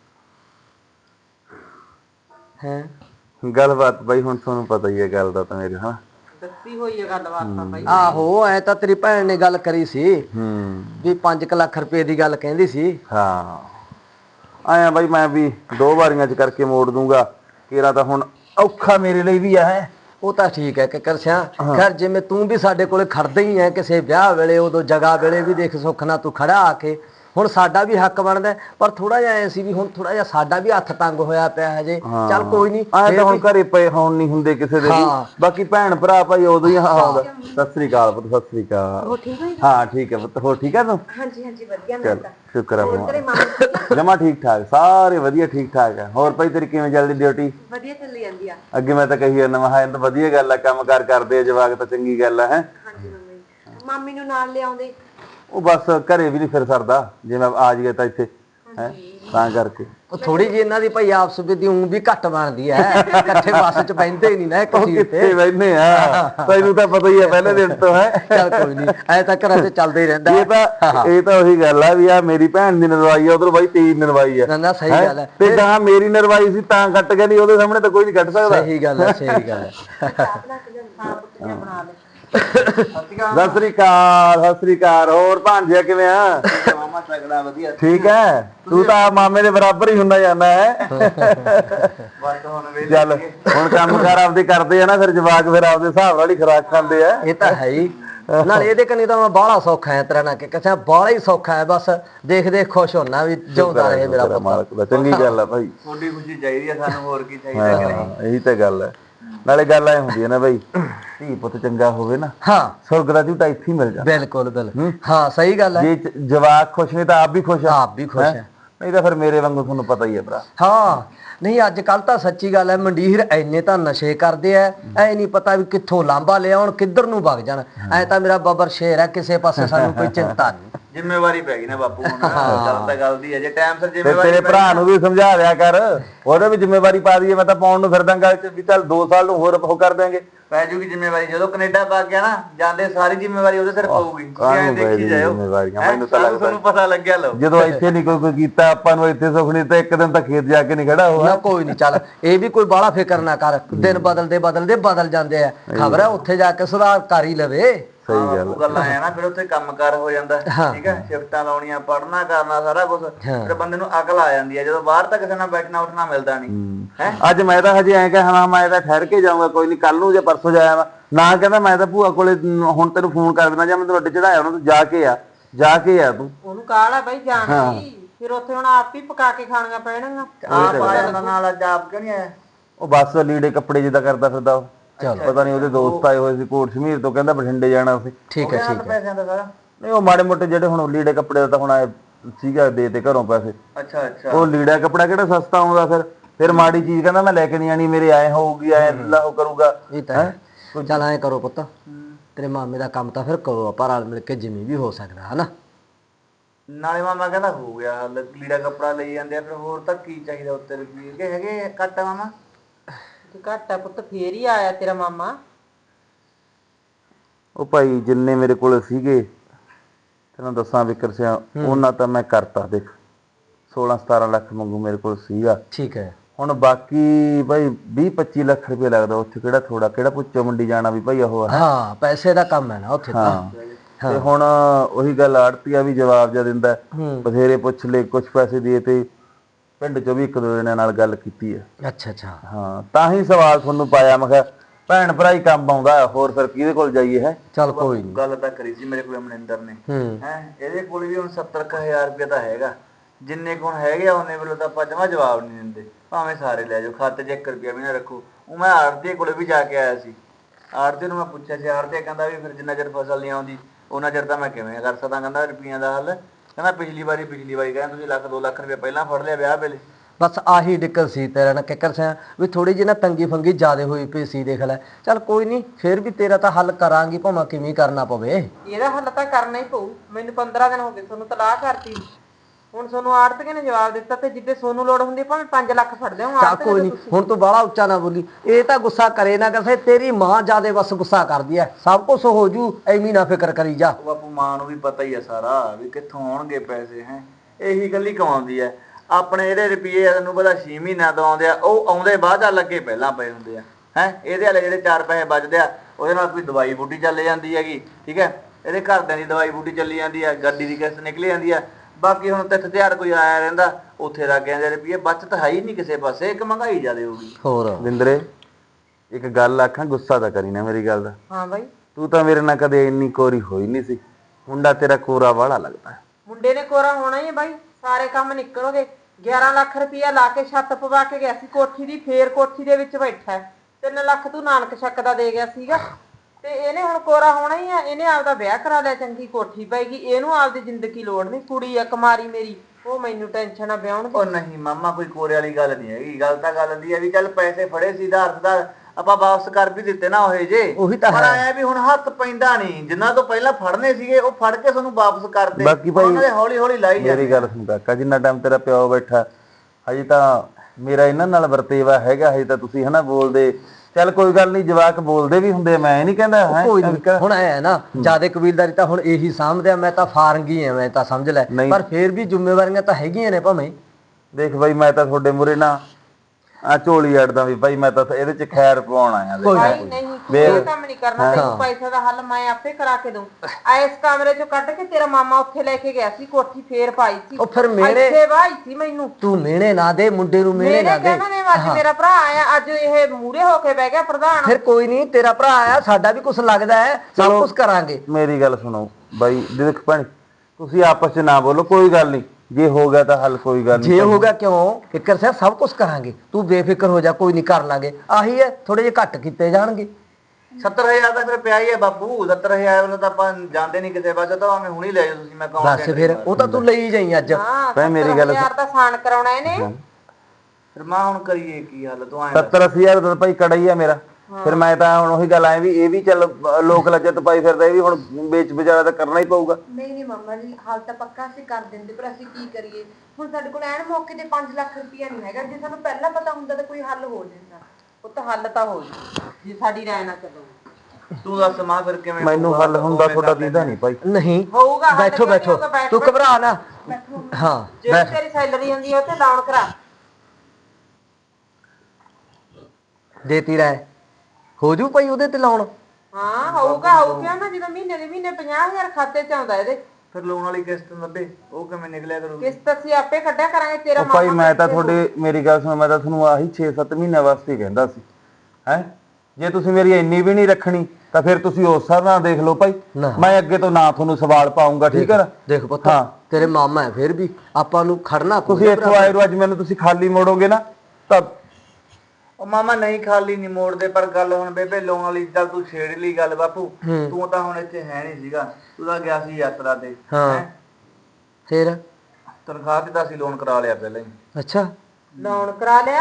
Speaker 5: ਹੈ
Speaker 2: ਗੱਲਬਾਤ ਬਾਈ ਹੁਣ ਤੁਹਾਨੂੰ ਪਤਾ ਹੀ ਹੈ ਗੱਲ ਦਾ ਤਾਂ ਮੇਰੇ, ਹਾਂ
Speaker 4: ਦੱਸੀ ਹੋਈ ਹੈ ਗੱਲਬਾਤ ਤਾਂ ਬਾਈ।
Speaker 5: ਆਹੋ ਐ ਤਾਂ ਤੇਰੀ ਭੈਣ ਨੇ ਗੱਲ ਕਰੀ ਸੀ ਵੀ 5 ਲੱਖ ਰੁਪਏ ਦੀ ਗੱਲ ਕਹਿੰਦੀ ਸੀ।
Speaker 2: ਹਾਂ ਆਇਆ ਬਾਈ, ਮੈਂ ਵੀ 2 ਵਾਰੀਆਂ ਚ ਕਰਕੇ ਮੋੜ ਦੂੰਗਾ, ਕੇਰਾ ਤਾਂ ਹੁਣ ਔਖਾ ਮੇਰੇ ਲਈ ਵੀ ਆ।
Speaker 5: ਉਹ ਤਾਂ ਠੀਕ ਹੈ ਕਿੱਕਰ ਸਿਆ, ਖੈਰ ਜਿਵੇਂ ਤੂੰ ਵੀ ਸਾਡੇ ਕੋਲੇ ਖੜਦਾ ਹੀ ਹੈ ਕਿਸੇ ਵਿਆਹ ਵੇਲੇ, ਉਦੋਂ ਜਗ੍ਹਾ ਵੇਲੇ ਵੀ ਦੇਖ ਸੁੱਖ ਨਾਲ ਤੂੰ ਖੜਾ ਆ ਕੇ, ਹੁਣ ਸਾਡਾ ਵੀ ਹੱਕ ਬਣਦਾ, ਪਰ ਥੋੜਾ ਜਿਹਾ ਐ ਸੀ ਵੀ ਹੁਣ ਥੋੜਾ ਜਿਹਾ ਸਾਡਾ ਵੀ ਹੱਥ ਤੰਗ ਹੋਇਆ ਪਿਆ ਹਜੇ। ਚੱਲ ਕੋਈ ਨਹੀਂ,
Speaker 2: ਆਏ ਤਾਂ ਹੁਣ ਘਰੇ ਪਏ ਹੋਣ ਨਹੀਂ ਹੁੰਦੇ ਕਿਸੇ ਦੇ ਵੀ, ਬਾਕੀ ਭੈਣ ਭਰਾ ਭਾਈ ਉਦੋਂ ਹੀ ਆਉਂਦਾ। ਸਤਿ ਸ੍ਰੀ ਅਕਾਲ ਪੁੱਤ, ਸਤਿ ਸ੍ਰੀ ਅਕਾਲ। ਹਾਂ ਠੀਕ ਹੈ ਪੁੱਤ, ਹੋਰ ਠੀਕ ਹੈ ਤੂੰ?
Speaker 1: ਹਾਂਜੀ ਹਾਂਜੀ ਵਧੀਆ।
Speaker 2: ਚੱਲ ਸ਼ੁਕਰ ਹੈ, ਜਮਾ ਠੀਕ ਠਾਕ, ਸਾਰੇ ਵਧੀਆ ਠੀਕ ਠਾਕ ਹੈ। ਹੋਰ ਭਾਈ ਤੇਰੀ ਕਿਵੇਂ ਚੱਲਦੀ ਡਿਊਟੀ?
Speaker 1: ਵਧੀਆ ਚੱਲੀ ਜਾਂਦੀ ਆ।
Speaker 2: ਅੱਗੇ ਮੈਂ ਤਾਂ ਕਹੀ ਜਾਂਦਾ, ਮੈਂ ਤਾਂ ਵਧੀਆ ਗੱਲ ਆ, ਕੰਮ ਕਾਰ ਕਰਦੇ ਆ ਜਵਾਕ ਤਾਂ ਚੰਗੀ ਗੱਲ ਆ। ਹੈ
Speaker 1: ਹਾਂਜੀ ਮਾਮੀ ਨੂੰ ਨਾਲ ਲਿਆਉਂਦੇ।
Speaker 2: ਉਹ ਬਸ ਘਰੇ ਵੀ ਨਹੀਂ ਫਿਰ ਸਰਦਾ, ਜੇ ਮੈਂ ਆ ਜਾਈਏ ਤਾਂ ਇੱਥੇ ਹੈ ਤਾਂ ਕਰਕੇ
Speaker 5: ਉਹ ਥੋੜੀ ਜਿਹੀ ਇਹਨਾਂ ਦੀ ਭਾਈ ਆਪਸ ਵਿੱਚ ਦੀ ਊਂ ਵੀ ਘੱਟ ਬਣਦੀ ਐ, ਇਕੱਠੇ ਬੱਸ 'ਚ ਬਹਿੰਦੇ ਨਹੀਂ ਨਾ ਇੱਕ ਸੀਟ
Speaker 2: ਕਿੱਥੇ
Speaker 5: ਤੇ।
Speaker 2: ਬੈਠਨੇ ਆ, ਤੈਨੂੰ ਤਾਂ ਪਤਾ ਹੀ ਆ ਪਹਿਲੇ ਦਿਨ ਤੋਂ ਹੈ।
Speaker 5: ਚੱਲ ਕੋਈ ਨਹੀਂ, ਐ ਤਾਂ ਘਰਾਂ 'ਚ ਚੱਲਦਾ ਹੀ ਰਹਿੰਦਾ।
Speaker 2: ਇਹ ਤਾਂ ਉਹੀ ਗੱਲ ਆ ਵੀ ਆ ਮੇਰੀ ਭੈਣ ਦੀ ਨਰਵਾਈ ਆ, ਉਧਰ ਬਾਈ ਤੇਰੀ ਨਰਵਾਈ ਆ।
Speaker 5: ਨਾ ਸਹੀ ਗੱਲ ਹੈ,
Speaker 2: ਤੇ ਤਾਂ ਮੇਰੀ ਨਰਵਾਈ ਸੀ ਤਾਂ ਕੱਟ ਗਿਆ, ਨਹੀਂ ਉਹਦੇ ਸਾਹਮਣੇ ਤਾਂ ਕੋਈ ਨਹੀਂ ਕੱਟ ਸਕਦਾ।
Speaker 5: ਸਹੀ ਗੱਲ ਹੈ, ਸਹੀ ਗੱਲ ਹੈ।
Speaker 2: ਸਤਿ ਸ੍ਰੀ ਅਕਾਲ, ਸਤਿ ਸ੍ਰੀ ਅਕਾਲ। ਹੋਰ ਭਾਂਜਿਆ ਕਿਵੇਂ ਆ? ਮਾਮਾ ਤਗੜਾ ਵਧੀਆ। ਠੀਕ ਹੈ, ਤੂੰ ਤਾਂ ਮਾਮੇ ਦੇ ਬਰਾਬਰ ਹੀ ਹੁੰਦਾ ਜਾਂਦਾ ਹੈ। ਚੱਲ ਹੁਣ ਕੰਮ ਕਾਰ ਆਪਦੇ ਕਰਦੇ ਆ ਨਾ, ਫਿਰ ਜਵਾਕ ਫਿਰ ਆਪਦੇ ਹਿਸਾਬ ਨਾਲ ਹੀ ਖੁਰਾਕ ਖਾਂਦੇ ਆ।
Speaker 5: ਇਹ ਤਾਂ ਹੈ ਹੀ। ਨਾਲ ਇਹਦੇ ਕਨੀ ਤਾਂ ਮੈਂ ਬਾਹਲਾ ਸੌਖਾ ਹੈ ਤੇਰਾ, ਨਾ ਕਿ ਕਹਿੰਦਾ ਬਾਹਲਾ ਹੀ ਸੌਖਾ ਹੈ, ਬਸ ਦੇਖ ਦੇਖ ਖੁਸ਼ ਹੋਣਾ ਵੀ ਜਿਉਂਦਾ ਰਹੇ ਮੇਰਾ ਪੁੱਤ।
Speaker 2: ਮਾਲਕ ਦਾ ਚੰਗੀ ਗੱਲ ਆ ਭਾਈ,
Speaker 6: ਥੋੜੀ ਖੁਸ਼ੀ ਚਾਹੀਦੀ ਆ ਸਾਨੂੰ, ਹੋਰ ਕੀ ਚਾਹੀਦਾ ਕਿ ਨਹੀਂ।
Speaker 2: ਇਹੀ ਤਾਂ ਗੱਲ ਹੈ। ਨਾਲੇ ਗੱਲ ਐ ਹੁੰਦੀ ਹੈ ਨਾ ਭਾਈ, ਧੀ ਪੁੱਤ ਚੰਗਾ ਹੋਵੇ ਨਾ,
Speaker 5: ਹਾਂ
Speaker 2: ਸੁਰਗ ਦਾ ਝੂਟਾ ਇੱਥੇ ਹੀ ਮਿਲ ਜਾਂਦਾ।
Speaker 5: ਬਿਲਕੁਲ ਬਿਲਕੁਲ, ਹਾਂ ਸਹੀ ਗੱਲ ਹੈ।
Speaker 2: ਜੇ ਜਵਾਕ ਖੁਸ਼ ਨੇ ਤਾਂ ਆਪ ਵੀ ਖੁਸ਼ ਆ,
Speaker 5: ਆਪ ਵੀ ਖੁਸ਼ ਹੈ।
Speaker 2: ਨਹੀਂ ਤਾਂ ਫਿਰ ਮੇਰੇ ਵਾਂਗੂ ਤੁਹਾਨੂੰ ਪਤਾ ਹੀ ਹੈ ਭਰਾ।
Speaker 5: ਹਾਂ ਨਹੀਂ ਅੱਜ ਕੱਲ ਤਾਂ ਸੱਚੀ ਗੱਲ ਹੈ, ਮੰਡੀਰ ਐਨੇ ਤਾਂ ਨਸ਼ੇ ਕਰਦੇ ਐ, ਐ ਨਹੀਂ ਪਤਾ ਵੀ ਕਿੱਥੋਂ ਲਾਂਬਾ ਲਿਆਉਣ, ਕਿੱਧਰ ਨੂੰ ਵਗ ਜਾਣ। ਐ ਤਾਂ ਮੇਰਾ ਬੱਬਰ ਸ਼ੇਰ ਹੈ, ਕਿਸੇ ਪਾਸੇ ਸਾਨੂੰ ਕੋਈ ਚਿੰਤਾ ਨਹੀਂ।
Speaker 6: ਜ਼ਿੰਮੇਵਾਰੀ ਪੈ ਗਈ ਨਾ ਬਾਪੂ, ਹੁਣ ਗੱਲ ਤਾਂ ਗੱਲ ਦੀ ਹੈ, ਜੇ ਟਾਈਮ ਸਿਰ
Speaker 2: ਤੇ
Speaker 6: ਜ਼ਿੰਮੇਵਾਰੀ
Speaker 2: ਤੇਰੇ ਭਰਾ ਨੂੰ ਵੀ ਸਮਝਾ ਦਿਆ ਕਰ, ਉਹਦੇ ਵੀ ਜ਼ਿੰਮੇਵਾਰੀ ਪਾ ਦਈਏ। ਮੈਂ ਤਾਂ ਪਾਉਣ ਨੂੰ ਫਿਰਦਾ ਗੱਲ ਚ ਵੀ ਚੱਲ 2 ਸਾਲ ਨੂੰ ਹੋਰ ਉਹ ਕਰ ਦਿਆਂਗੇ।
Speaker 6: ਪੈ ਜੂਗੀ ਜ਼ਿੰਮੇਵਾਰੀ, ਜਦੋਂ ਕੈਨੇਡਾ ਪਾ ਗਿਆ ਨਾ ਜਾਂਦੇ ਸਾਰੀ ਜ਼ਿੰਮੇਵਾਰੀ ਉਹਦੇ ਸਿਰ ਪਊਗੀ। ਤੁਸੀਂ ਐਂ ਦੇਖੀ ਜਾਇਓ,
Speaker 2: ਮੈਨੂੰ ਤਾਂ ਲੱਗਦਾ
Speaker 6: ਤੁਹਾਨੂੰ ਪਤਾ ਲੱਗਿਆ ਲਓ।
Speaker 2: ਜਦੋਂ ਇੱਥੇ ਨਹੀਂ ਕੋਈ ਕੀਤਾ ਆਪਾਂ ਨੂੰ, ਇੱਥੇ ਸੁਖਣੀ ਤਾਂ ਇੱਕ ਦਿਨ ਤਾਂ ਖੇਤ ਜਾ ਕੇ ਨਹੀਂ ਖੜਾ ਹੋਇਆ।
Speaker 5: ਨਾ ਕੋਈ ਨਹੀਂ, ਚੱਲ ਇਹ ਵੀ ਕੋਈ ਬਾਹਲਾ ਫਿਕਰ ਨਾ ਕਰ, ਦਿਨ ਬਦਲਦੇ ਬਦਲਦੇ ਬਦਲ ਜਾਂਦੇ ਆ। ਖਬਰ ਹੈ ਉੱਥੇ ਜਾ ਕੇ ਸੁਧਾਰ ਕਰ ਹੀ ਲਵੇ।
Speaker 2: ਸਹੀ ਗੱਲ
Speaker 6: ਗੱਲ ਆਇਆ ਨਾ, ਫਿਰ ਉੱਥੇ ਕੰਮਕਾਰ ਹੋ ਜਾਂਦਾ, ਠੀਕ ਹੈ, ਸ਼ਿਫਟਾਂ ਲਾਉਣੀਆਂ, ਪੜ੍ਹਨਾ ਕਰਨਾ, ਸਾਰਾ ਕੁਝ, ਫਿਰ ਬੰਦੇ ਨੂੰ ਅਕਲ ਆ ਜਾਂਦੀ ਹੈ। ਜਦੋਂ ਬਾਹਰ ਤਾਂ ਕਿਸੇ ਨਾਲ ਬੈਠਣਾ ਉੱਠਣਾ ਮਿਲਦਾ ਨਹੀਂ ਹੈ।
Speaker 2: ਅੱਜ ਮੈਂ ਤਾਂ ਹਜੇ ਐਂ ਕਿਹਾ ਹਾਂ ਮੈਂ ਤਾਂ ਠਹਿਰ ਕੇ ਜਾਊਂਗਾ, ਕੋਈ ਨਹੀਂ ਕੱਲ ਨੂੰ ਜਾਂ ਪਰਸੋਂ ਜਾਇਆ ਵਾ ਨਾ। ਕਹਿੰਦਾ ਮੈਂ ਤਾਂ ਭੂਆ ਕੋਲੇ ਹੁਣ ਤੈਨੂੰ ਫੋਨ ਕਰ ਦੇਣਾ, ਜਾਂ ਮੈਂ ਤੈਨੂੰ ਅੱਡੇ ਚੜਾਇਆ ਉਹਨੂੰ, ਤੂੰ ਜਾ ਕੇ ਆ ਤੂੰ।
Speaker 4: ਉਹਨੂੰ ਕਾਹਲ ਆ ਬਾਈ ਜਾਣ ਦੀ, ਫਿਰ ਉੱਥੇ ਹੁਣ ਆਪ ਹੀ ਪਕਾ ਕੇ ਖਾਣੀਆਂ ਪੈਣਗੀਆਂ।
Speaker 6: ਆਪ ਆ ਜਾਂਦਾ ਨਾਲ, ਅੱਜ ਆਪ ਕਿਉਂ ਨਹੀਂ ਆਇਆ?
Speaker 2: ਉਹ ਬਸ ਲੀੜੇ ਕੱਪੜੇ ਜਿੱਦਾਂ ਕਰਦਾ ਫਿਰਦਾ ਉਹ। ਪਤਾ ਨਹੀਂ ਉਹਦੇ ਦੋਸਤ ਆਏ ਹੋਏ ਸੀ ਕੋਟ ਸ਼ਮੀਰ ਤੋਂ, ਕਹਿੰਦਾ ਬਠਿੰਡੇ ਜਾਣਾ ਸੀ।
Speaker 5: ਠੀਕ ਹੈ ਠੀਕ ਹੈ।
Speaker 6: ਪੈਸਿਆਂ ਦਾ ਸਾਰਾ
Speaker 2: ਨਹੀਂ ਉਹ ਮਾੜੇ ਮੋਟੇ ਜਿਹੜੇ ਹੁਣ ਲੀੜੇ ਕੱਪੜੇ ਦਾ ਤਾਂ ਹੁਣ ਆਏ ਸੀਗਾ, ਦੇ ਤੇ ਘਰੋਂ ਪੈਸੇ।
Speaker 6: ਅੱਛਾ
Speaker 2: ਉਹ ਲੀੜਾ ਕੱਪੜਾ ਕਿਹੜਾ ਸਸਤਾ ਆਉਂਦਾ, ਫਿਰ ਮਾੜੀ ਚੀਜ਼ ਕਹਿੰਦਾ ਮੈਂ ਲੈ ਕੇ ਨਹੀਂ ਆਣੀ, ਮੇਰੇ ਆਏ ਹੋਊਗੀ, ਐ ਉਹ ਕਰੂਗਾ।
Speaker 5: ਇਹ ਤਾਂ ਹੈ। ਚੱਲ ਐਂ ਕਰੋ ਪੁੱਤ, ਤੇਰੇ ਮਾਮੇ ਦਾ ਕੰਮ ਤਾਂ ਫਿਰ ਕਰੋ ਆਪਾਂ ਰਲ ਮਿਲ ਕੇ, ਜਿਵੇਂ ਵੀ ਹੋ ਸਕਦਾ ਹਨਾ।
Speaker 6: ਨਾਲੇ ਮਾਮਾ ਕਹਿੰਦਾ ਹੋ ਗਿਆ ਲੀੜਾ ਕੱਪੜਾ ਲਈ ਜਾਂਦੇ ਆ, ਫਿਰ ਹੋਰ ਤਾਂ ਕੀ ਚਾਹੀਦਾ ਉੱਤੇ ਰੁਪਈਏ ਕਿ ਹੈਗੇ ਘੱਟ ਆ ਮਾਮਾ?
Speaker 4: ਘੱਟ ਆ ਪੁੱਤ, ਫੇਰ ਹੀ ਆਇਆ ਤੇਰਾ ਮਾਮਾ।
Speaker 2: ਉਹ ਭਾਈ ਜਿੰਨੇ ਮੇਰੇ ਕੋਲ ਸੀਗੇ ਤੈਨੂੰ ਦੱਸਾਂ ਵਿਕਰ ਸਿਆ, ਉਹਨਾਂ ਤਾਂ ਮੈਂ ਕਰਤਾ। ਦੇਖ 16-17 ਲੱਖ ਮੰਗੂ ਮੇਰੇ ਕੋਲ ਸੀਗਾ।
Speaker 5: ਠੀਕ ਹੈ।
Speaker 2: ਹੁਣ ਬਾਕੀ ਭਾਈ 20-25 ਲੱਖ ਰੁਪਏ ਲੱਗਦਾ। ਉੱਥੇ ਕਿਹੜਾ ਥੋੜਾ, ਕਿਹੜਾ ਪੁੱਛੋ ਮੰਡੀ ਜਾਣਾ ਵੀ ਭਾਈ ਉਹ।
Speaker 5: ਹਾਂ ਪੈਸੇ ਦਾ ਕੰਮ ਹੈ ਨਾ ਉੱਥੇ ਤਾਂ।
Speaker 2: ਤੇ ਹੁਣ ਉਹੀ ਗੱਲ, ਆੜਤੀਆ ਵੀ ਜਵਾਬ ਜਾ ਦਿੰਦਾ, ਬਥੇਰੇ ਪੁੱਛ ਲੈ, ਕੁਝ ਪੈਸੇ ਦੇ ਤੇ ਪਿੰਡ ਚੋਂ ਵੀ 1-2 ਜਣਿਆਂ ਨਾਲ ਗੱਲ ਕੀਤੀ ਹੈ।
Speaker 5: ਅੱਛਾ ਅੱਛਾ।
Speaker 2: ਹਾਂ ਤਾਂ ਹੀ ਸਵਾਲ ਤੁਹਾਨੂੰ ਪਾਇਆ, ਮੈਂ ਕਿਹਾ ਭੈਣ ਭਰਾ ਹੀ ਕੰਮ ਆਉਂਦਾ, ਹੋਰ ਫਿਰ ਕਿਹਦੇ ਕੋਲ ਜਾਈਏ ਹੈ।
Speaker 5: ਚੱਲ ਕੋਈ ਨਹੀਂ।
Speaker 6: ਗੱਲ ਤਾਂ ਕਰੀ ਸੀ ਮੇਰੇ ਕੋਲ ਮਨਿੰਦਰ ਨੇ, ਹੈ ਇਹਦੇ ਕੋਲ ਵੀ ਹੁਣ 70,000 ਰੁਪਏ ਤਾਂ ਹੈਗਾ। ਜਿੰਨੇ ਕੋਲ ਹੈਗੇ ਆ ਉਹਨੇ ਵੱਲੋਂ ਤਾਂ ਆਪਾਂ ਜਮਾ ਜਵਾਬ ਨਹੀਂ ਦਿੰਦੇ, ਭਾਵੇਂ ਸਾਰੇ ਲੈ ਜਾਓ, ਖਾਤੇ 'ਚ 1 ਰੁਪਿਆ ਵੀ ਨਾ ਰੱਖੋ। ਉਹ ਮੈਂ ਆੜਤੀਏ ਕੋਲੇ ਵੀ ਜਾ ਕੇ ਆਇਆ ਸੀ, ਆੜਤੀਏ ਨੂੰ ਮੈਂ ਪੁੱਛਿਆ ਸੀ, ਆੜਤੀਆ ਕਹਿੰਦਾ ਵੀ ਫਿਰ ਜਿੰਨਾ ਚਿਰ ਫਸਲ ਨਹੀਂ ਆਉਂਦੀ ਉਹਨਾਂ ਚਿਰ ਤਾਂ ਮੈਂ ਕਿਵੇਂ ਕਰ ਸਕਦਾ। ਕਹਿੰਦਾ ਰੁਪਈਆਂ ਦਾ ਹੱਲ, ਕਹਿੰਦਾ ਪਿਛਲੀ ਵਾਰੀ ਕਹਿੰਦਾ ਤੁਸੀਂ 1-2 ਲੱਖ ਰੁਪਏ ਪਹਿਲਾਂ ਫੜ ਲਿਆ ਵਿਆਹ ਵੇਲੇ।
Speaker 5: ਬਸ ਆਹੀ ਦਿੱਕਤ ਸੀ ਤੇਰਾ ਨਾ ਕਿੱਕਰ ਸਿਆ, ਵੀ ਥੋੜੀ ਜਿਹੀ ਨਾ ਤੰਗੀ ਫੰਗੀ ਜ਼ਿਆਦਾ ਹੋਈ ਪਈ ਸੀ, ਦੇਖ ਲੈ। ਚੱਲ ਕੋਈ ਨਹੀਂ, ਫਿਰ ਵੀ ਤੇਰਾ ਤਾਂ ਹੱਲ ਕਰਾਂਗੀ, ਭਾਵੇਂ ਕਿਵੇਂ ਕਰਨਾ ਪਵੇ।
Speaker 4: ਇਹਦਾ ਹੱਲ ਤਾਂ ਕਰਨਾ ਹੀ ਪਊ। ਮੈਨੂੰ 15 ਦਿਨ ਹੋ ਗਏ ਤੁਹਾਨੂੰ ਤਲਾਹ ਕਰਤੀ, ਹੁਣ ਤੁਹਾਨੂੰ ਆੜਤੀਏ ਨੇ ਜਵਾਬ ਦਿੱਤਾ, ਤੇ ਜਿੱਦੇ ਸੋਨੂੰ ਲੋੜ ਹੁੰਦੀ ਭਾਵੇਂ 5 ਲੱਖ ਫੜ ਲਿਓ।
Speaker 5: ਚੱਲ ਕੋਈ ਨਹੀਂ, ਹੁਣ ਤੂੰ ਬਾਹਲਾ ਉੱਚਾ ਨਾ ਬੋਲੀ। ਇਹ ਤਾਂ ਗੁੱਸਾ ਕਰੇ ਨਾ ਕਿਸੇ, ਤੇਰੀ ਮਾਂ ਜਿਆਦੇ ਬਸ ਗੁੱਸਾ ਕਰਦੀ ਐ। ਸਭ ਕੁਝ ਹੋ ਜੂ, ਐਵੇਂ ਨਾ ਫਿਕਰ ਕਰੀ ਜਾ।
Speaker 6: ਉਹ ਬਾਪੂ ਮਾਂ ਨੂੰ ਵੀ ਪਤਾ ਹੀ ਆ ਸਾਰਾ ਵੀ ਕਿੱਥੋਂ ਆਉਣਗੇ ਪੈਸੇ, ਹੈ ਇਹੀ ਗੱਲ ਹੀ ਕਮਾਉਂਦੀ ਐ। ਆਪਣੇ ਇਹਦੇ ਰੁਪਈਏ ਤੈਨੂੰ ਪਤਾ 6 ਮਹੀਨਿਆਂ ਤੋਂ ਆਉਂਦੇ ਆ, ਉਹ ਆਉਂਦੇ ਬਾਅਦ ਆ ਲੱਗੇ ਪਹਿਲਾਂ ਪਏ ਹੁੰਦੇ ਆ। ਹੈ ਇਹਦੇ ਵਾਲੇ ਜਿਹੜੇ 4 ਪੈਸੇ ਬਚਦੇ ਆ, ਉਹਦੇ ਨਾਲ ਕੋਈ ਦਵਾਈ ਬੂਟੀ ਚੱਲ ਜਾਂਦੀ ਹੈਗੀ, ਠੀਕ ਹੈ। ਇਹਦੇ ਘਰਦਿਆਂ ਦੀ ਦਵਾਈ ਬੂਟੀ ਚੱਲੀ ਜਾਂਦੀ ਆ, ਗੱਡੀ ਦੀ ਕਿਸ਼ਤ ਨਿਕਲੀ ਜਾਂਦੀ ਆ। ਬਾਕੀ ਹੁਣ ਤਿੱਥ ਤਿਉਹਾਰ ਕੋਈ ਆਇਆ ਰਹਿੰਦਾ, ਉੱਥੇ ਲੱਗ ਜਾਂਦੇ ਰੁਪਈਏ। ਬਚਤ ਹੈ ਹੀ ਨਹੀਂ ਕਿਸੇ ਪਾਸੇ, ਇੱਕ ਮਹਿੰਗਾਈ ਜ਼ਿਆਦਾ ਹੋ ਗਈ।
Speaker 5: ਹੋਰ
Speaker 2: ਵਿੰਦਰੇ ਇੱਕ ਗੱਲ ਆਖਾਂ, ਗੁੱਸਾ ਤਾਂ ਕਰੀ ਨਾ ਮੇਰੀ ਗੱਲ ਦਾ।
Speaker 4: ਹਾਂ ਬਾਈ,
Speaker 2: ਤੂੰ ਤਾਂ ਮੇਰੇ ਨਾਲ ਕਦੇ ਇੰਨੀ ਕੋਰੀ ਹੋਈ ਨਹੀਂ ਸੀ। ਮੁੰਡਾ ਤੇਰਾ ਕੋਰਾ ਵਾਲਾ ਲੱਗਦਾ।
Speaker 4: ਮੁੰਡੇ ਨੇ ਕੋਰਾ ਹੋਣਾ ਹੀ ਹੈ ਬਾਈ, ਸਾਰੇ ਕੰਮ ਨਿਕਲੋਗੇ। 11 ਲੱਖ ਰੁਪਇਆ ਲਾ ਕੇ ਛੱਤ ਪਵਾ ਕੇ ਗਿਆ ਸੀ ਕੋਠੀ ਦੀ, ਫੇਰ ਕੋਠੀ ਦੇ ਵਿੱਚ ਬੈਠਾ। 3 ਲੱਖ ਤੂੰ ਨਾਨਕ ਛੱਕ ਦਾ ਦੇ ਗਿਆ ਸੀਗਾ, ਤੇ ਇਹਨੇ ਹੁਣ ਕੋਰਾ ਹੋਣਾ ਹੀ ਆ। ਇਹਨੇ ਆਪਦਾ ਵਿਆਹ ਕਰਾ ਲਿਆ, ਚੰਗੀ ਕੋਠੀ ਪਾਏਗੀ, ਇਹਨੂੰ ਆਪਦੀ ਜ਼ਿੰਦਗੀ ਲੋੜ ਨਹੀਂ। ਕੁੜੀ ਆ ਕੁਮਾਰੀ ਮੇਰੀ, ਉਹ ਮੈਨੂੰ ਟੈਨਸ਼ਨ ਆ ਵਿਆਹਣ ਦੀ।
Speaker 6: ਉਹ ਨਹੀਂ ਮਾਮਾ, ਕੋਈ ਕੋਰੇ ਵਾਲੀ ਗੱਲ ਨਹੀਂ ਹੈਗੀ। ਗੱਲ ਤਾਂ ਗੱਲ ਦੀ ਹੈ ਵੀ ਚੱਲ ਪੈਸੇ ਫੜੇ ਸੀ ਆਧਾਰ ਆਪਾਂ ਵਾਪਸ ਕਰ ਵੀ ਦਿੱਤੇ ਨਾ ਉਹ ਜੇ।
Speaker 5: ਉਹੀ ਤਾਂ
Speaker 6: ਪਰ
Speaker 5: ਹੈ।
Speaker 6: ਆਇਆ ਵੀ ਹੁਣ ਹੱਥ ਪੈਂਦਾ ਨਹੀਂ, ਜਿੰਨਾ ਤੋਂ ਪਹਿਲਾਂ ਫੜਨੇ ਸੀਗੇ ਉਹ ਫੜ ਕੇ ਤੁਹਾਨੂੰ ਵਾਪਸ ਕਰਦੇ।
Speaker 2: ਬਾਕੀ ਭਾਈ
Speaker 6: ਉਹਨਾਂ ਦੇ ਹੌਲੀ ਹੌਲੀ ਲਾਈ ਜਾਂਦੇ।
Speaker 2: ਮੇਰੀ ਗੱਲ ਸੁਣ ਕਾਕਾ, ਜਿੰਨਾ ਟਾਈਮ ਤੇਰਾ ਪਿਓ ਬੈਠਾ ਹਜੇ ਤਾਂ ਮੇਰਾ ਇਹਨਾਂ ਨਾਲ ਵਰਤੇਵਾ ਹੈਗਾ, ਹਜੇ ਤਾਂ ਤੁਸੀਂ ਹਨਾ ਬੋਲਦੇ, ਚੱਲ ਕੋਈ ਗੱਲ ਨਹੀਂ, ਜਵਾਕ ਬੋਲਦੇ ਵੀ ਹੁੰਦੇ, ਮੈਂ ਨਹੀਂ ਕਹਿੰਦਾ ਹੈ।
Speaker 5: ਕੋਈ ਨਹੀਂ, ਹੁਣ ਐ ਨਾ ਜਿਆਦੇ ਕਬੀਲਦਾਰੀ ਤਾਂ ਹੁਣ ਇਹੀ ਸਾਂਭਦੇ ਆ, ਮੈਂ ਤਾਂ ਫਾਰੰਗੀ ਆ, ਮੈਂ ਤਾਂ ਸਮਝ ਲੈ,
Speaker 2: ਨਹੀਂ।
Speaker 5: ਪਰ ਫੇਰ ਵੀ ਜ਼ਿੰਮੇਵਾਰੀਆਂ ਤਾਂ ਹੈਗੀਆਂ ਨੇ ਭਾਵੇਂ।
Speaker 2: ਦੇਖ ਬਾਈ, ਮੈਂ ਤਾਂ ਤੁਹਾਡੇ ਮੂਹਰੇ ਨਾ ਆ ਝੋਲੀ ਅੜਦਾ ਵੀ ਬਾਈ, ਮੈਂ ਤਾਂ ਇਹਦੇ ਚ ਖੈਰ ਪਵਾਉਣ ਆਇਆ।
Speaker 5: ਕੋਈ
Speaker 4: ਭਾਈ ਨਹੀਂ, ਤੂੰ ਇਹ ਕੰਮ ਨਹੀਂ ਕਰਨਾ, ਤੈਨੂੰ ਪੈਸੇ ਦਾ ਹੱਲ ਮੈਂ ਆਪੇ ਕਰਾ ਕੇ ਦਊਂ। ਇਸ ਕਮਰੇ ਚੋਂ ਕੱਢ ਕੇ ਤੇਰਾ ਮਾਮਾ ਉੱਥੇ ਲੈ ਕੇ ਗਿਆ ਸੀ, ਕੋਠੀ ਫੇਰ ਪਾਈ ਸੀ,
Speaker 5: ਉਹ ਫਿਰ ਮੇਰੇ
Speaker 4: ਇੱਥੇ ਵਾਹੀ ਸੀ ਮੈਨੂੰ।
Speaker 5: ਤੂੰ ਮਿਹਣੇ ਨਾ ਦੇ ਮੁੰਡੇ ਨੂੰ, ਮਿਹਣੇ ਨਾ
Speaker 4: ਮੇਰੇ
Speaker 5: ਦੇ।
Speaker 4: ਕਹਿੰਦਾ ਨੇ ਅੱਜ ਮੇਰਾ ਭਰਾ ਆਇਆ, ਅੱਜ ਇਹ ਮੂਰੇ ਹੋ ਕੇ ਬਹਿ ਗਿਆ ਪ੍ਰਧਾਨ।
Speaker 5: ਫਿਰ ਕੋਈ ਨਹੀਂ, ਤੇਰਾ ਭਰਾ ਆਇਆ, ਸਾਡਾ ਵੀ ਕੁਝ ਲੱਗਦਾ ਹੈ, ਸਭ ਕੁਝ ਕਰਾਂਗੇ।
Speaker 2: ਮੇਰੀ ਗੱਲ ਸੁਣੋ ਬਾਈ, ਦੇਖ ਭੈਣ, ਤੁਸੀਂ ਆਪਸ ਚ ਨਾ ਬੋਲੋ, ਕੋਈ ਗੱਲ ਨਹੀਂ, ਜੇ ਹੋ ਗਿਆ ਤਾਂ ਹੱਲ, ਕੋਈ ਗੱਲ ਨਹੀਂ।
Speaker 5: ਜੇ ਹੋਗਾ ਕਿਉਂ ਫਿਕਰ ਸਿਰ ਸਭ ਕੁਝ ਕਰਾਂਗੇ, ਤੂੰ ਬੇਫਿਕਰ ਹੋ ਜਾ, ਕੋਈ ਨਹੀਂ, ਕਰ ਲਾਂਗੇ। ਆਹੀ ਹੈ, ਥੋੜੇ ਜਿਹੇ ਘੱਟ ਕੀਤੇ ਜਾਣਗੇ।
Speaker 6: 70,000 ਦਾ ਫਿਰ ਪਿਆ ਹੀ ਹੈ ਬਾਪੂ। 70,000 ਵਾਲਾ ਤਾਂ ਆਪਾਂ ਜਾਂਦੇ ਨਹੀਂ ਕਿਸੇ ਪਾਸੇ, ਤਾਂ ਮੈਂ ਹੁਣੀ ਲੈ ਜਾਓ ਤੁਸੀਂ, ਮੈਂ ਕਹਾਂ
Speaker 5: ਬਸ ਫਿਰ ਉਹ ਤਾਂ ਤੂੰ ਲਈ ਜਾਈ ਅੱਜ।
Speaker 4: ਹਾਂ,
Speaker 2: ਭਾਈ ਮੇਰੀ ਗੱਲ
Speaker 4: 70,000 ਦਾ ਸਾਨ ਕਰਾਉਣਾ ਇਹਨੇ।
Speaker 6: ਫਿਰ ਮਾਂ ਹੁਣ ਕਰੀਏ ਕੀ ਹੱਲ, ਤੂੰ ਆਏ
Speaker 2: 70-80,000 ਦਾ ਭਾਈ ਕੜਾ ਹੀ ਆ ਮੇਰਾ। ਫਿਰ ਮੈਂ ਤਾਂ ਹੁਣ ਉਹੀ ਗੱਲ ਆਏ ਵੀ ਇਹ ਵੀ ਚੱਲ ਲੋਕ ਲੱਜਤ ਪਾਈ ਫਿਰਦਾ, ਇਹ ਵੀ ਹੁਣ ਵੇਚ ਵਿਚਾਰਾ ਤਾਂ ਕਰਨਾ ਹੀ ਪਊਗਾ।
Speaker 7: ਨਹੀਂ ਮਾਮਾ ਜੀ, ਹਾਲ ਤਾਂ ਪੱਕਾ ਅਸੀਂ ਕਰ ਦਿੰਦੇ, ਪਰ ਅਸੀਂ ਕੀ ਕਰੀਏ ਹੁਣ? ਸਾਡੇ ਕੋਲ ਐਨ ਮੌਕੇ ਤੇ 5 ਲੱਖ ਰੁਪਇਆ ਨਹੀਂ ਹੈਗਾ। ਜੇ ਸਾਨੂੰ ਪਹਿਲਾਂ ਪਤਾ ਹੁੰਦਾ ਤਾਂ ਕੋਈ ਹੱਲ ਹੋ ਜਾਂਦਾ।
Speaker 4: ਉਹ ਤਾਂ ਹੱਲ ਤਾਂ ਹੋ ਜੂ ਜੇ ਸਾਡੀ ਰਾਏ ਨਾ ਚੱਲੋ।
Speaker 6: ਤੂੰ ਦੱਸ ਮਾਂ ਫਿਰ ਕਿਵੇਂ
Speaker 2: ਮੈਨੂੰ ਹੱਲ ਹੁੰਦਾ ਤੁਹਾਡਾ ਦੀਦਾ ਨਹੀਂ ਭਾਈ।
Speaker 5: ਨਹੀਂ,
Speaker 4: ਹੋਊਗਾ ਹੱਲ,
Speaker 5: ਬੈਠੋ
Speaker 4: ਕਿਉਂ
Speaker 5: ਬੈਠੋ,
Speaker 4: ਨਹੀਂ ਹੋਊਗਾ? ਬੈਠ
Speaker 5: ਤੂੰ
Speaker 4: ਬੈਠ।
Speaker 5: ਘਬਰਾ ਨਾ। ਹਾਂ
Speaker 4: ਜਿਹੜੀ ਤੇਰੀ ਸੈਲਰੀ ਹੁੰਦੀ ਹੈ ਉਹ ਤੇ ਲਾਉਣ ਕਰਾ
Speaker 5: ਦੇਤੀ ਰਹਿ ਹੋ ਜੂ ਭਾਈ ਉਹਦੇ ਤੇ ਲਾਉਣ।
Speaker 4: ਹਾਂ ਹੋਊਗਾ, ਹੋਊ ਕਿਉਂ ਨਾ, ਜਦੋਂ ਮਹੀਨੇ ਦੇ ਮਹੀਨੇ 50,000 ਖਾਤੇ ਚ ਆਉਂਦਾ ਇਹਦੇ।
Speaker 6: ਫਿਰ ਲੋਨ ਵਾਲੀ ਕਿਸ਼ਤ ਲੱਭੇ, ਉਹ ਕਿਵੇਂ ਨਿਕਲਿਆ ਕਰੂਗੀ?
Speaker 4: ਕਿਸ਼ਤ ਅਸੀਂ ਆਪੇ ਕੱਢਿਆ ਕਰਾਂਗੇ। ਤੇਰਾ
Speaker 2: ਉਹ ਭਾਈ
Speaker 4: ਮਾਮਾ
Speaker 2: ਮੈਂ ਤਾਂ ਤੁਹਾਡੇ, ਮੇਰੀ ਗੱਲ ਸੁਣ, ਮੈਂ ਤਾਂ ਤੁਹਾਨੂੰ ਆਹੀ 6-7 ਮਹੀਨਿਆਂ ਵਾਸਤੇ ਹੀ ਕਹਿੰਦਾ ਸੀ ਹੈ। ਜੇ ਤੁਸੀਂ ਮੇਰੀ ਇੰਨੀ ਵੀ ਨਹੀਂ ਰੱਖਣੀ ਤਾਂ ਫਿਰ ਤੁਸੀਂ ਉਸ ਹਿਸਾਬ ਨਾਲ ਦੇਖ ਲਓ ਭਾਈ, ਮੈਂ ਅੱਗੇ ਤੋਂ ਨਾ ਤੁਹਾਨੂੰ ਸਵਾਲ ਪਾਉਂਗਾ, ਠੀਕ ਹੈ ਨਾ?
Speaker 5: ਦੇਖ ਪੁੱਤ, ਤੇਰੇ ਮਾਮਾ ਹੈ, ਫਿਰ ਵੀ ਆਪਾਂ ਨੂੰ ਖੜਨਾ ਪਊਗਾ।
Speaker 2: ਤੁਸੀਂ ਇੱਥੋਂ ਆਏ ਰੋ, ਅੱਜ ਮੈਨੂੰ ਤੁਸੀਂ ਖਾਲੀ ਮੋੜੋਗੇ ਨਾ ਤਾਂ
Speaker 6: ਉਹ ਮਾਮਾ ਨਹੀਂ ਖਾਲੀ ਨਹੀਂ ਮੋੜਦੇ, ਪਰ ਗੱਲ ਹੁਣ ਬੇਬੇ ਲੋਨ ਵਾਲੀ, ਚੱਲ ਤੂੰ ਛੇੜ ਲਈ ਗੱਲ ਬਾਪੂ। ਤੂੰ ਤਾਂ ਹੁਣ ਇੱਥੇ ਹੈ ਨਹੀਂ ਸੀਗਾ, ਤੂੰ ਤਾਂ ਗਿਆ ਸੀ ਯਾਤਰਾ ਤੇ।
Speaker 5: ਹਾਂ ਫਿਰ
Speaker 6: ਤਨਖਾਹ ਤੇ ਤਾਂ ਅਸੀਂ ਲੋਨ ਕਰਾ ਲਿਆ ਪਹਿਲਾਂ ਹੀ।
Speaker 5: ਅੱਛਾ,
Speaker 4: ਲੋਨ ਕਰਾ ਲਿਆ?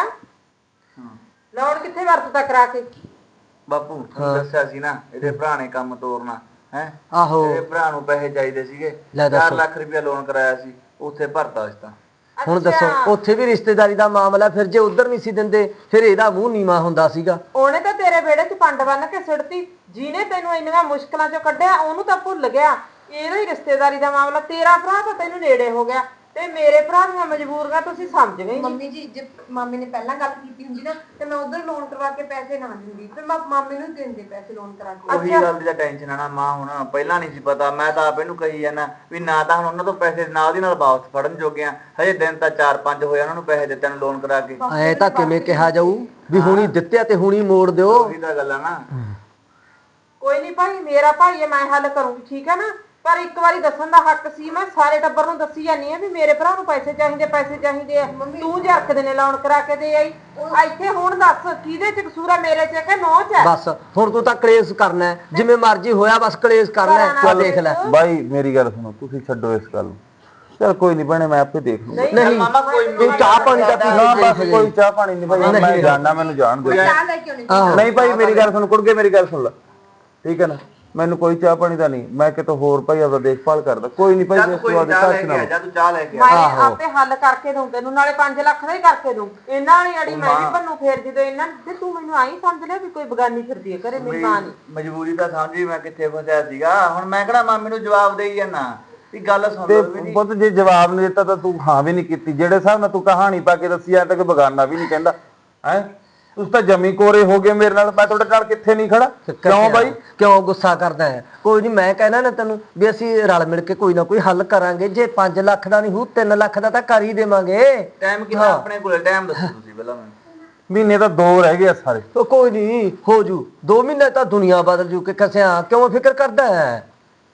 Speaker 4: ਲੋਨ ਕਿੱਥੇ ਵਰਤਦਾ ਕਰਾ ਕੇ?
Speaker 6: ਬਾਪੂ ਤੁਹਾਨੂੰ ਦੱਸਿਆ ਸੀ ਨਾ, ਇਹਦੇ ਭਰਾ ਨੇ ਕੰਮ ਤੋਰਨਾ ਹੈ।
Speaker 5: ਆਹੋ
Speaker 6: ਇਹਦੇ ਭਰਾ ਨੂੰ ਪੈਸੇ ਚਾਹੀਦੇ ਸੀਗੇ,
Speaker 5: ਲੈ ਦੱਸ।
Speaker 6: 4 ਲੱਖ ਰੁਪਇਆ ਲੋਨ ਕਰਾਇਆ ਸੀ, ਉੱਥੇ ਭਰਤਾ ਸੀ ਤਾਂ।
Speaker 5: ਹੁਣ ਦੱਸੋ, ਉੱਥੇ ਵੀ ਰਿਸ਼ਤੇਦਾਰੀ ਦਾ ਮਾਮਲਾ, ਫਿਰ ਜੇ ਉਧਰ ਨਹੀਂ ਸੀ ਦਿੰਦੇ ਫਿਰ ਇਹਦਾ ਮੂੰਹ ਨੀਵਾ ਹੁੰਦਾ ਸੀਗਾ।
Speaker 4: ਉਹਨੇ ਤਾਂ ਤੇਰੇ ਵਿਹੜੇ 'ਚ ਪੰਡ ਬੰਨ ਕੇ ਸਿੱਟਤੀ, ਜਿਹਨੇ ਤੈਨੂੰ ਇੰਨੀਆਂ ਮੁਸ਼ਕਲਾਂ 'ਚੋਂ ਕੱਢਿਆ ਉਹਨੂੰ ਤਾਂ ਭੁੱਲ ਗਿਆ। ਇਹਦਾ ਹੀ ਰਿਸ਼ਤੇਦਾਰੀ ਦਾ ਮਾਮਲਾ, ਤੇਰਾ ਭਰਾ ਤਾਂ ਤੈਨੂੰ ਨੇੜੇ ਹੋ ਗਿਆ ਤੇ ਮੇਰੇ ਭਰਾ ਦੀਆਂ ਮਜਬੂਰੀਆਂ ਤੁਸੀਂ ਸਮਝ ਗਏ ਨਹੀਂ।
Speaker 7: ਮੰਮੀ ਜੀ, ਜੇ ਮਾਮੇ ਨੇ ਪਹਿਲਾਂ ਗੱਲ ਕੀਤੀ ਹੁੰਦੀ ਨਾ ਤੇ ਮੈਂ ਉਧਰ ਲੋਨ ਕਰਵਾ ਕੇ ਪੈਸੇ ਨਾ ਦਿੰਦੀ, ਫਿਰ ਮੈਂ ਮਾਮੇ ਨੂੰ ਦਿੰਦੇ ਪੈਸੇ ਲੋਨ ਕਰਾ ਕੇ।
Speaker 6: ਉਹੀ ਗੱਲ ਦੀ ਤਾਂ ਟੈਨਸ਼ਨ ਆ ਨਾ ਮਾਂ, ਹੁਣ ਪਹਿਲਾਂ ਨਹੀਂ ਸੀ ਪਤਾ। ਮੈਂ ਤਾਂ ਆਪ ਇਹਨੂੰ ਕਹੀ ਜਾਂਦਾ ਵੀ ਨਾ ਤਾਂ ਹੁਣ ਉਹਨਾਂ ਤੋਂ ਪੈਸੇ ਨਾਲ ਦੀ ਨਾਲ ਵਾਪਸ ਫੜਨ ਜੋਗੇ ਆ, ਹਜੇ ਦਿਨ ਤਾਂ 4-5 ਹੋਏ ਉਹਨਾਂ ਨੂੰ ਪੈਸੇ ਦਿੱਤੇ ਨੂੰ ਲੋਨ ਕਰਾ ਕੇ।
Speaker 5: ਐ ਤਾਂ ਕਿਵੇਂ ਕਿਹਾ ਜਾਊ ਵੀ ਹੁਣੀ ਦਿੱਤਿਆ ਤੇ ਹੁਣੀ ਮੋੜ ਦਿਓ।
Speaker 6: ਉਹੀ ਤਾਂ ਗੱਲ ਆ ਨਾ।
Speaker 4: ਕੋਈ ਨਹੀਂ ਭਾਈ, ਮੇਰਾ ਭਾਈ ਹੈ, ਮੈਂ ਹੱਲ ਕਰੂੰਗੀ, ਠੀਕ ਹੈ ਨਾ? ਪਰ ਇੱਕ ਵਾਰੀ ਦੱਸਣ ਦਾ ਹੱਕ ਸੀ, ਮੈਂ ਸਾਰੇ ਟੱਬਰ ਨੂੰ ਦੱਸੀ ਜਾਂਦੀ ਆ ਵੀ ਮੇਰੇ ਭਰਾ ਨੂੰ ਪੈਸੇ ਚਾਹੀਦੇ, ਪੈਸੇ ਚਾਹੀਦੇ ਆ। ਤੂੰ ਜਰਕਦੇ ਨੇ ਲਾਉਣ ਕਰਾ ਕੇ ਦੇ ਆਈ ਇੱਥੇ। ਹੁਣ ਦੱਸ ਕਿਹਦੇ ਚ ਕਸੂਰ ਆ, ਮੇਰੇ ਚ ਕਿ ਨੌ ਚ?
Speaker 5: ਬਸ ਹੁਣ ਤੂੰ ਤਾਂ ਕਲੇਸ਼ ਕਰਨਾ ਹੈ, ਜਿਵੇਂ ਮਰਜ਼ੀ ਹੋਇਆ, ਬਸ ਕਲੇਸ਼ ਕਰਨਾ ਹੈ। ਤੂੰ ਦੇਖ ਲੈ
Speaker 2: ਬਾਈ ਮੇਰੀ ਗੱਲ ਸੁਣੋ, ਤੁਸੀਂ ਛੱਡੋ ਇਸ ਗੱਲ ਨੂੰ, ਚਲ ਕੋਈ ਨਹੀਂ ਭੈਣੇ, ਮੈਂ ਆਪੇ ਦੇਖ ਲੂੰਗਾ।
Speaker 5: ਨਹੀਂ
Speaker 6: ਮਾਮਾ ਕੋਈ
Speaker 5: ਤੂੰ ਚਾਹ ਪਾਣੀ ਦਾ ਪੀ
Speaker 2: ਨਾ
Speaker 5: ਲੈ।
Speaker 2: ਬਸ ਕੋਈ ਚਾਹ ਪਾਣੀ ਨਹੀਂ ਭਾਈ, ਮੈਂ ਜਾਣਦਾ, ਮੈਨੂੰ ਜਾਣ ਦਿਓ।
Speaker 7: ਚਾਹ ਲੈ ਕੇ ਆਉਣੀ।
Speaker 2: ਨਹੀਂ ਭਾਈ ਮੇਰੀ ਗੱਲ ਸੁਣ ਕੁੜਗੇ, ਮੇਰੀ ਗੱਲ ਸੁਣ ਲੈ, ਠੀਕ ਹੈ ਨਾ? ਮੈਨੂੰ ਕੋਈ ਚਾਹ ਪਾਣੀ ਦਾ ਨਹੀਂ, ਮੈਂ ਕਿਤੋਂ ਹੋਰ ਭਾਈ ਆਪਦਾ ਦੇਖਭਾਲ ਕਰਦਾ। ਕੋਈ ਨਹੀਂ ਭਾਈ, ਇਸ ਤੋਂ ਬਾਅਦ
Speaker 6: ਚਾਹ ਲੈ
Speaker 2: ਟੱਚ
Speaker 6: ਕੇ
Speaker 2: ਨਾ
Speaker 6: ਆ ਜਾ, ਤੂੰ ਚਾਹ ਲੈ ਕੇ ਆ।
Speaker 4: ਮੈਂ ਆਪੇ ਹੱਲ ਕਰਕੇ ਦਊਂ ਤੈਨੂੰ, ਨਾਲੇ 5 ਲੱਖ ਦਾ ਹੀ ਕਰਕੇ ਦਊਂ। ਇਹਨਾਂ ਵਾਲੀ ਅੜੀ ਮੈਂ ਵੀ ਭੰਨੂ ਫੇਰ ਜਦੋਂ ਇਹਨਾਂ ਤੇ ਤੂੰ ਮੈਨੂੰ ਆਈ ਸਮਝ ਲਿਆ ਵੀ ਕੋਈ ਬਗਾਨੀ ਫਿਰਦੀ ਹੈ ਘਰੇ, ਮੇਰੀ ਮਾਂ ਨਹੀਂ।
Speaker 6: ਮਜਬੂਰੀ ਤਾਂ ਸਮਝੀ ਮੈਂ ਕਿੱਥੇ ਫਸਿਆ ਸੀਗਾ। ਹੁਣ ਮੈਂ ਕਿਹੜਾ ਮਾਮੇ ਨੂੰ ਜਵਾਬ ਦੇਈ ਜਾਣਾ ਵੀ ਗੱਲ ਸੁਣ
Speaker 2: ਤੇ
Speaker 6: ਲਓ ਵੀ ਨਹੀਂ।
Speaker 2: ਪੁੱਤ ਜੇ ਜਵਾਬ ਨਹੀਂ ਦਿੱਤਾ ਤਾਂ ਤੂੰ ਹਾਂ ਵੀ ਨਹੀਂ ਕੀਤੀ। ਜਿਹੜੇ ਹਿਸਾਬ ਨਾਲ ਤੂੰ ਕਹਾਣੀ ਪਾ ਕੇ ਦੱਸੀ ਆ ਤਾਂ ਕੋਈ ਬਗਾਨਾ ਵੀ ਨਹੀਂ ਕਹਿੰਦਾ ਹੈ। ਤੁਸੀਂ ਤਾਂ ਜਮੀ ਕੋਰੇ ਹੋ ਗਏ ਮੇਰੇ ਨਾਲ, ਮੈਂ ਤੁਹਾਡੇ ਨਾਲ ਕਿੱਥੇ ਨਹੀਂ ਖੜਾ। ਕਿਉਂ ਬਾਈ,
Speaker 5: ਕਿਉਂ ਗੁੱਸਾ ਕਰਦਾ ਹੈ? ਕੋਈ ਨਹੀਂ, ਮੈਂ ਕਹਿਣਾ ਨਾ ਤੈਨੂੰ ਵੀ ਅਸੀਂ ਰਲ ਮਿਲ ਕੇ ਕੋਈ ਨਾ ਕੋਈ ਹੱਲ ਕਰਾਂਗੇ। ਜੇ 5 ਲੱਖ ਦਾ ਨਹੀਂ ਹੋ, 3 ਲੱਖ ਦਾ ਤਾਂ ਕਰ ਹੀ ਦੇਵਾਂਗੇ।
Speaker 6: ਟਾਈਮ ਕਿੰਨਾ ਆਪਣੇ ਕੋਲੇ? ਟਾਈਮ ਦੱਸੋ ਤੁਸੀਂ ਪਹਿਲਾਂ ਮੈਨੂੰ।
Speaker 2: ਮਹੀਨੇ ਤਾਂ 2 ਰਹਿ ਗਏ ਆ ਸਾਰੇ।
Speaker 5: ਉਹ ਕੋਈ ਨਹੀਂ, ਹੋ ਜੂ 2 ਮਹੀਨੇ ਤਾਂ ਦੁਨੀਆ ਬਦਲ ਜੂ ਕਿ ਕਸਿਆ, ਕਿਉਂ ਫਿਕਰ ਕਰਦਾ ਹੈ?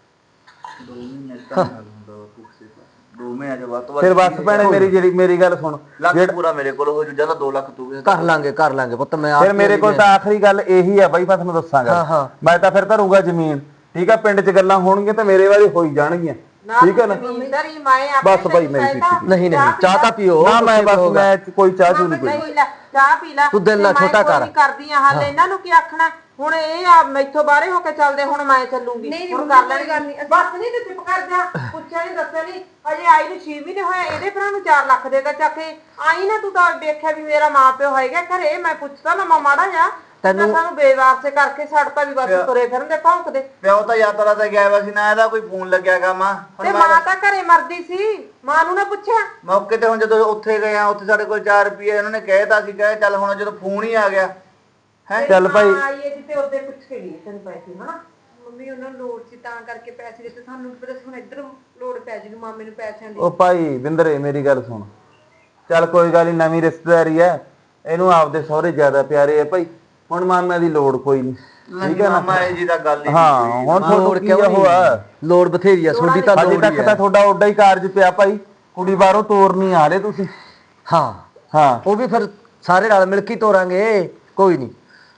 Speaker 6: 2 ਮਹੀਨੇ ਤਾਂ ਹੁੰਦਾ ਪੁੱਛੇ 2 ਮਹੀਨੇ ਦੇ ਬਾਅਦ
Speaker 2: ਫਿਰ ਬਸ ਭੈਣੇ ਮੇਰੀ ਗੱਲ ਸੁਣ,
Speaker 6: ਲੱਖ ਪੂਰਾ ਮੇਰੇ ਕੋਲ ਹੋ ਜੂ, ਜਾਂ ਤਾਂ 2 ਲੱਖ ਤੂੰ ਵੀ
Speaker 5: ਕਰ ਲਾਂਗੇ ਪੁੱਤ। ਮੈਂ
Speaker 2: ਫਿਰ ਮੇਰੇ ਕੋਲ ਤਾਂ ਆਖਰੀ ਗੱਲ ਇਹੀ ਆ ਬਾਈ, ਮੈਂ ਤੁਹਾਨੂੰ ਦੱਸਾਂਗਾ। ਮੈਂ ਤਾਂ ਫਿਰ ਧਰੂੰਗਾ ਜ਼ਮੀਨ, ਠੀਕ ਆ? ਪਿੰਡ 'ਚ ਗੱਲਾਂ ਹੋਣਗੀਆਂ ਤਾਂ ਮੇਰੇ ਵਾਲੀ ਹੋਈ ਜਾਣਗੀਆਂ,
Speaker 6: ਠੀਕ ਹੈ ਨਾ?
Speaker 4: ਜ਼ਮੀਨਦਾਰੀ ਮੈਂ ਆਪੇ
Speaker 6: ਬਸ ਭਾਈ, ਮੇਰੀ
Speaker 4: ਕਹਿਤਾ,
Speaker 6: ਪੀਤੀ।
Speaker 5: ਨਹੀਂ ਨਹੀਂ ਚਾਹ ਤਾਂ ਪੀਓ
Speaker 6: ਨਾ ਮੈਂ
Speaker 5: ਕੁਛ
Speaker 6: ਬਸ
Speaker 5: ਹੋਊਗਾ।
Speaker 6: ਮੈਂ ਕੋਈ ਚਾਹ ਚੂ ਨਹੀਂ ਕੋਈ
Speaker 4: ਨਹੀਂ ਲੈ ਚਾਹ ਪੀ ਲੈ
Speaker 5: ਤੂੰ ਦਿਲ
Speaker 4: ਤੇ
Speaker 5: ਨਾ
Speaker 4: ਮੈਂ
Speaker 5: ਛੋਟਾ
Speaker 4: ਕੋਈ
Speaker 5: ਕਰ।
Speaker 4: ਨਹੀਂ ਕਰਦੀ ਆ ਹਾਲ ਇਹਨਾਂ ਨੂੰ ਕੀ ਆਖਣਾ ਹੁਣ ਇਹ ਆ ਮੈਥੋਂ ਬਾਹਰੇ ਹੋ ਕੇ ਚੱਲਦੇ ਹੁਣ ਮੈਂ ਚੱਲੂਗੀ
Speaker 7: ਨਹੀਂ,
Speaker 4: ਹੁਣ
Speaker 7: ਮੰਮੀ,
Speaker 4: ਕਰ
Speaker 7: ਕੋਈ
Speaker 4: ਲੈਣੀ
Speaker 7: ਗੱਲ ਨਹੀਂ,
Speaker 4: ਬਸ ਨਹੀਂ ਤੇ ਚੁੱਪ ਕਰ ਜਾ ਪੁੱਛਿਆ ਨਹੀਂ ਦੱਸਿਆ ਨਹੀਂ ਹਜੇ ਆਈ ਨੂੰ 6 ਮਹੀਨੇ ਹੋਏ ਇਹਦੇ ਭਰਾ ਨੂੰ 4 ਲੱਖ ਦੇਗਾ ਚੱਕ ਕੇ ਆਈ ਨਾ ਤੂੰ ਤਾਂ ਦੇਖਿਆ ਵੀ ਮੇਰਾ ਮਾਂ ਪਿਓ ਹੈਗਾ ਘਰੇ ਮੈਂ ਪੁੱਛਦਾ ਨਾ ਮਾੜਾ ਜਾ ਤੈਨੂੰ ਸਾਨੂੰ ਬੇਵਾਰਸੇ ਕਰਕੇ ਛੱਡਤਾ ਵੀ ਬਸ ਤੁਰੇ ਫਿਰਦੇ ਭੌਂਕਦੇ
Speaker 6: ਪਿਓ ਤਾਂ ਯਾਤਰਾ ਤੇ ਗਿਆ ਹੋਇਆ ਸੀ ਨਾ, ਇਹਦਾ ਕੋਈ ਫੋਨ ਲੱਗਿਆ ਗਾ ਮਾਂ
Speaker 4: ਤੇ ਮਾਂ ਤਾਂ ਘਰੇ ਮਰਦੀ ਸੀ ਮਾਂ ਨੂੰ ਨਾ ਪੁੱਛਿਆ
Speaker 6: ਮੌਕੇ ਤੇ ਹੁਣ ਜਦੋਂ ਉੱਥੇ ਗਏ ਆ ਉੱਥੇ ਸਾਡੇ ਕੋਲ 4 ਰੁਪਏ ਉਹਨਾਂ ਨੇ ਕਹਿਤਾ ਸੀ ਕਹੇ ਚੱਲ ਹੁਣ ਜਦੋਂ ਫੋਨ ਹੀ ਆ ਗਿਆ ਹੈ ਚੱਲ ਭਾਈ
Speaker 4: ਆਈਏ ਜਿੱਤੇ ਉਹਦੇ ਪੁੱਛ ਕੇ ਨਹੀਂ ਤੈਨੂੰ ਪੈਸੇ ਹਨਾ
Speaker 7: ਮੰਮੀ ਉਹਨਾਂ ਨੂੰ ਲੋੜ ਸੀ ਤਾਂ ਕਰਕੇ ਪੈਸੇ ਦਿੱਤੇ ਸਾਨੂੰ ਪਤਾ ਹੁਣ ਇੱਧਰ ਲੋੜ ਪੈ ਜੂ ਮਾਮੇ ਨੂੰ ਪੈਸਿਆਂ ਦੀ
Speaker 6: ਉਹ ਭਾਈ ਬਿੰਦਰੇ ਮੇਰੀ ਗੱਲ ਸੁਣ, ਚੱਲ ਕੋਈ ਗੱਲ ਨਹੀਂ, ਨਵੀਂ ਰਿਸ਼ਤੇਦਾਰੀ ਹੈ, ਇਹਨੂੰ ਆਪਦੇ ਸਹੁਰੇ ਜ਼ਿਆਦਾ ਪਿਆਰੇ ਆ ਭਾਈ, ਹੁਣ ਮਾਮਿਆਂ ਦੀ ਲੋੜ ਕੋਈ ਨਹੀਂ, ਠੀਕ ਹੈ ਨਾ? ਮਾਮਾ ਇਹ ਜੀ ਦਾ ਗੱਲ ਹੀ ਹਾਂ, ਹੁਣ ਤੁਹਾਨੂੰ ਕੀ ਹੋਇਆ?
Speaker 5: ਲੋੜ ਬਥੇਰੀ ਆ ਤੁਹਾਡੀ ਤਾਂ
Speaker 6: ਅਜੇ
Speaker 5: ਲੋੜ
Speaker 6: ਤੱਕ
Speaker 5: ਹੀ
Speaker 6: ਤਾਂ
Speaker 5: ਹੈ।
Speaker 6: ਤੁਹਾਡਾ ਓਡਾ ਹੀ ਕਾਰਜ ਪਿਆ ਭਾਈ, ਕੁੜੀ ਬਾਹਰੋਂ ਤੋਰਨੀ ਆ ਰਹੇ ਤੁਸੀਂ।
Speaker 5: ਹਾਂ
Speaker 6: ਹਾਂ
Speaker 5: ਉਹ ਵੀ ਫਿਰ ਸਾਰੇ ਰਲ ਮਿਲ ਕੇ ਹੀ ਤੋਰਾਂਗੇ, ਕੋਈ ਨਹੀਂ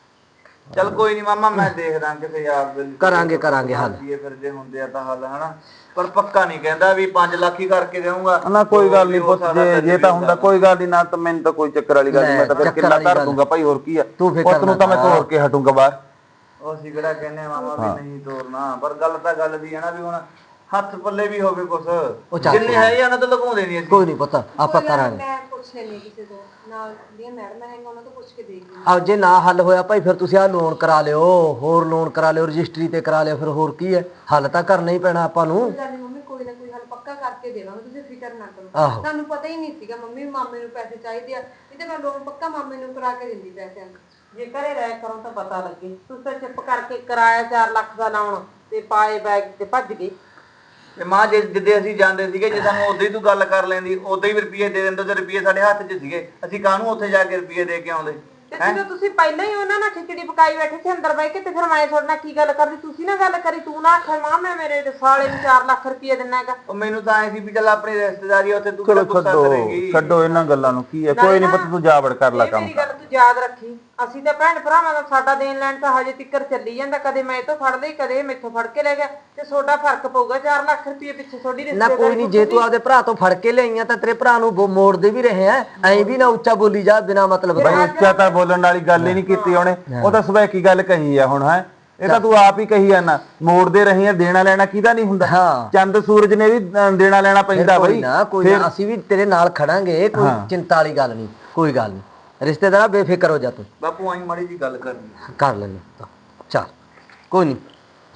Speaker 6: ਚੱਲ ਕੋਈ ਨਹੀਂ ਮਾਮਾ, ਮੈਂ ਦੇਖਦਾ ਕਿਸੇ ਯਾਰ ਦੇ
Speaker 5: ਕਰਾਂਗੇ ਹੱਲ।
Speaker 6: ਫਿਰ ਜੇ ਹੁੰਦੇ ਆ ਤਾਂ ਹੱਲ ਹਨਾ, ਪਰ ਪੱਕਾ ਨਹੀਂ ਕਹਿੰਦਾ ਵੀ 5 ਲੱਖ ਹੀ ਕਰਕੇ ਦੇਵਾਂਗਾ ਨਾ। ਕੋਈ ਗੱਲ ਨਹੀਂ ਪੁੱਤ, ਜੇ ਤਾਂ ਹੁੰਦਾ ਕੋਈ ਗੱਲ ਨਹੀਂ ਨਾ, ਤਾਂ ਮੈਨੂੰ ਤਾਂ ਕੋਈ ਚੱਕਰ ਵਾਲੀ ਗੱਲ ਨਹੀਂ, ਮੈਂ ਤਾਂ ਫਿਰ ਕਿੱਲਾ ਧਰ ਦੂੰਗਾ ਭਾਈ, ਹੋਰ ਕੀ ਆ, ਪੁੱਤ ਨੂੰ ਤਾਂ ਮੈਂ ਤੋੜ ਕੇ ਹਟੂੰਗਾ ਬਾਹਰ। ਉਹ ਅਸੀਂ ਕਿਹੜਾ ਕਹਿੰਦੇ ਮਾਮਾ ਵੀ ਨਹੀਂ ਤੋਰਨਾ, ਪਰ ਗੱਲ ਤਾਂ ਗੱਲ ਦੀ ਹੈ ਨਾ ਵੀ ਹੁਣ ਹੱਥ ਪੱਲੇ ਵੀ ਹੋਵੇ ਕੁਛ, ਜਿੰਨੇ ਹੈ ਇਹਨਾਂ ਤੋਂ ਲਗਾਉਂਦੇ ਨਹੀਂ ਅਸੀਂ।
Speaker 5: ਕੋਈ ਨਹੀਂ ਪਤਾ ਆਪਾਂ ਕਰਾਂਗੇ।
Speaker 7: ਮੈਂ ਪੁੱਛ ਲੈਣੀ ਕਿਸੇ ਤੋਂ ਨਾਲ ਦੀਆਂ ਮੈਡਮ ਹੈਗਾ ਉਹਨਾਂ ਤੋਂ ਪੁੱਛ ਕੇ ਦੇਖ ਲਈ।
Speaker 5: ਆ ਜੇ ਨਾ ਹੱਲ ਹੋਇਆ ਭਾਈ ਫਿਰ ਤੁਸੀਂ ਆ ਲੋਨ ਕਰਾ ਲਿਓ, ਹੋਰ ਲੋਨ ਕਰਾ ਲਿਓ, ਰਜਿਸਟਰੀ ਤੇ ਕਰਾ ਲਿਓ, ਫਿਰ ਹੋਰ ਕੀ ਹੈ, ਹੱਲ ਤਾਂ ਕਰਨਾ ਹੀ ਪੈਣਾ ਆਪਾਂ ਨੂੰ।
Speaker 7: ਮੰਮੀ ਕੋਈ ਨਾ ਕੋਈ ਹੱਲ ਪੱਕਾ ਕਰਕੇ ਦੇਵਾਂਗੇ, ਤੁਸੀਂ ਫਿਕਰ ਨਾ ਕਰੋ।
Speaker 5: ਆਹੋ
Speaker 7: ਸਾਨੂੰ ਪਤਾ ਹੀ ਨਹੀਂ ਸੀਗਾ ਮੰਮੀ ਮਾਮੇ ਨੂੰ ਪੈਸੇ ਚਾਹੀਦੇ ਆ, ਨਹੀਂ ਤੇ ਮੈਂ ਲੋਨ ਪੱਕਾ ਮਾਮੇ ਨੂੰ ਕਰਾ ਕੇ ਦਿੰਦੀ ਪੈਸਿਆਂ ਨੂੰ।
Speaker 4: ਜੇ ਘਰੇ ਰਹਿ ਕਰੋ ਤਾਂ ਪਤਾ ਲੱਗੇ ਤੁਸੀਂ ਤਾਂ ਚੁੱਪ ਕਰਕੇ ਕਿਰਾਇਆ 4 ਲੱਖ ਦਾ ਲਾਉਣ ਤੇ ਪਾਏ ਬੈਗ ਤੇ ਭੱਜ ਗਏ।
Speaker 6: ਤੇ ਮਾਂ ਜਿੱਦੇ ਅਸੀਂ ਜਾਂਦੇ ਸੀਗੇ, ਜੇ ਸਾਨੂੰ ਉਦੋਂ ਹੀ ਤੂੰ ਗੱਲ ਕਰ ਲੈਂਦੀ, ਉਦੋਂ ਹੀ ਰੁਪਏ ਦੇ ਦਿੰਦੇ, ਤੇ ਰੁਪਏ ਸਾਡੇ ਹੱਥ 'ਚ ਸੀਗੇ, ਅਸੀਂ ਕਾਹਨੂੰ ਉੱਥੇ ਜਾ ਕੇ ਰੁਪਏ ਦੇ ਕੇ ਆਉਂਦੇ?
Speaker 4: ਤੇ ਜਦੋਂ ਤੁਸੀਂ ਪਹਿਲਾਂ ਹੀ ਉਹਨਾਂ ਨਾਲ ਖਿਚੜੀ ਪਕਾਈ ਬੈਠੇ ਸੀ ਅੰਦਰ ਬਹਿ ਕੇ ਤੇ ਫਿਰ ਮੈਂ ਤੁਹਾਡੇ ਨਾਲ ਕੀ ਗੱਲ ਕਰਦੀ, ਤੁਸੀਂ ਨਾ ਗੱਲ ਕਰੀ, ਤੂੰ ਨਾ ਆਖਿਆ ਮਾਂ ਮੈਂ ਮੇਰੇ ਸਾਲੇ ਨੂੰ 4 ਲੱਖ ਰੁਪਏ ਦਿੰਨਾ ਹੈਗਾ।
Speaker 6: ਉਹ ਮੈਨੂੰ ਤਾਂ ਐ ਸੀ ਵੀ ਚੱਲ ਆਪਣੀ ਰਿਸ਼ਤੇਦਾਰੀ ਉੱਥੇ ਤੂੰ ਕਿਹੜਾ ਗੁੱਸਾ ਕਰੇਗੀ। ਛੱਡੋ ਇਹਨਾਂ ਗੱਲਾਂ ਨੂੰ, ਕੀ ਹੈ, ਕੋਈ ਨਹੀਂ ਪੁੱਤ, ਤੂੰ ਜਾਵੜ ਕਰ ਲੈ ਕੰਮ।
Speaker 4: ਮੇਰੀ ਗੱਲ ਤੂੰ ਯਾਦ ਰੱਖੀ, ਅਸੀਂ ਤਾਂ ਭੈਣ ਭਰਾਵਾਂ ਦਾ ਸਾਡਾ ਦੇਣ ਲੈਣ ਤਾਂ ਹਜੇ ਤੱਕ ਚੱਲੀ ਜਾਂਦਾ, ਕਦੇ ਮੈਂ ਇਹ ਤੋਂ ਫੜ ਲਈ ਕਦੇ ਇਹ ਮੈਥੋਂ ਫੜ ਕੇ ਲੈ ਗਿਆ, ਤੇ ਤੁਹਾਡਾ ਫਰਕ ਪਊਗਾ 4 ਲੱਖ ਰੁਪਏ ਪਿੱਛੇ ਤੁਹਾਡੀ
Speaker 5: ਨਾ
Speaker 4: ਰਿਸ਼ਤੇਦਾਰੀ।
Speaker 5: ਕੋਈ ਨਹੀਂ, ਜੇ ਤੂੰ ਆਪਦੇ ਭਰਾ ਤੋਂ ਫੜ ਕੇ ਲਿਆਈਆਂ ਤਾਂ ਤੇਰੇ ਭਰਾ ਨੂੰ ਮੋੜਦੇ ਵੀ ਰਹੇ ਆ, ਐਂ ਵੀ ਨਾ ਉੱਚਾ ਬੋਲੀ ਜਾ ਬਿਨਾ ਮਤਲਬ
Speaker 6: ਬਈ ਉੱਚਾ ਤਾਂ ਬੋਲਣ ਵਾਲੀ ਗੱਲ ਹੀ ਨਹੀਂ ਕੀਤੀ ਉਹਨੇ, ਉਹ ਤਾਂ ਸਵੈਕੀ ਗੱਲ ਕਹੀ ਆ ਹੁਣ ਹੈ, ਇਹ ਤਾਂ ਤੂੰ ਆਪ ਹੀ ਕਹੀ ਜਾਂਦਾ, ਮੋੜਦੇ ਰਹੀ ਆ, ਦੇਣਾ ਲੈਣਾ ਕਿਹਦਾ ਨਹੀਂ ਹੁੰਦਾ, ਚੰਦ ਸੂਰਜ ਨੇ ਵੀ ਦੇਣਾ ਲੈਣਾ ਪੈਂਦਾ ਬਈ।
Speaker 5: ਕੋਈ ਨਾ ਅਸੀਂ ਵੀ ਤੇਰੇ ਨਾਲ ਖੜਾਂਗੇ, ਕੋਈ ਚਿੰਤਾ ਵਾਲੀ ਗੱਲ ਨਹੀਂ, ਕੋਈ ਗੱਲ ਨਹੀਂ, ਰਿਸ਼ਤੇਦਾਰਾ ਬੇਫਿਕਰ ਹੋ ਜਾ ਤੂੰ।
Speaker 6: ਬਾਪੂ ਆਈ ਮਾੜੀ ਜੀ ਗੱਲ ਕਰਨੀ
Speaker 5: ਕਰ ਲੈਣੇ ਚੱਲ, ਕੋਈ ਨਹੀਂ।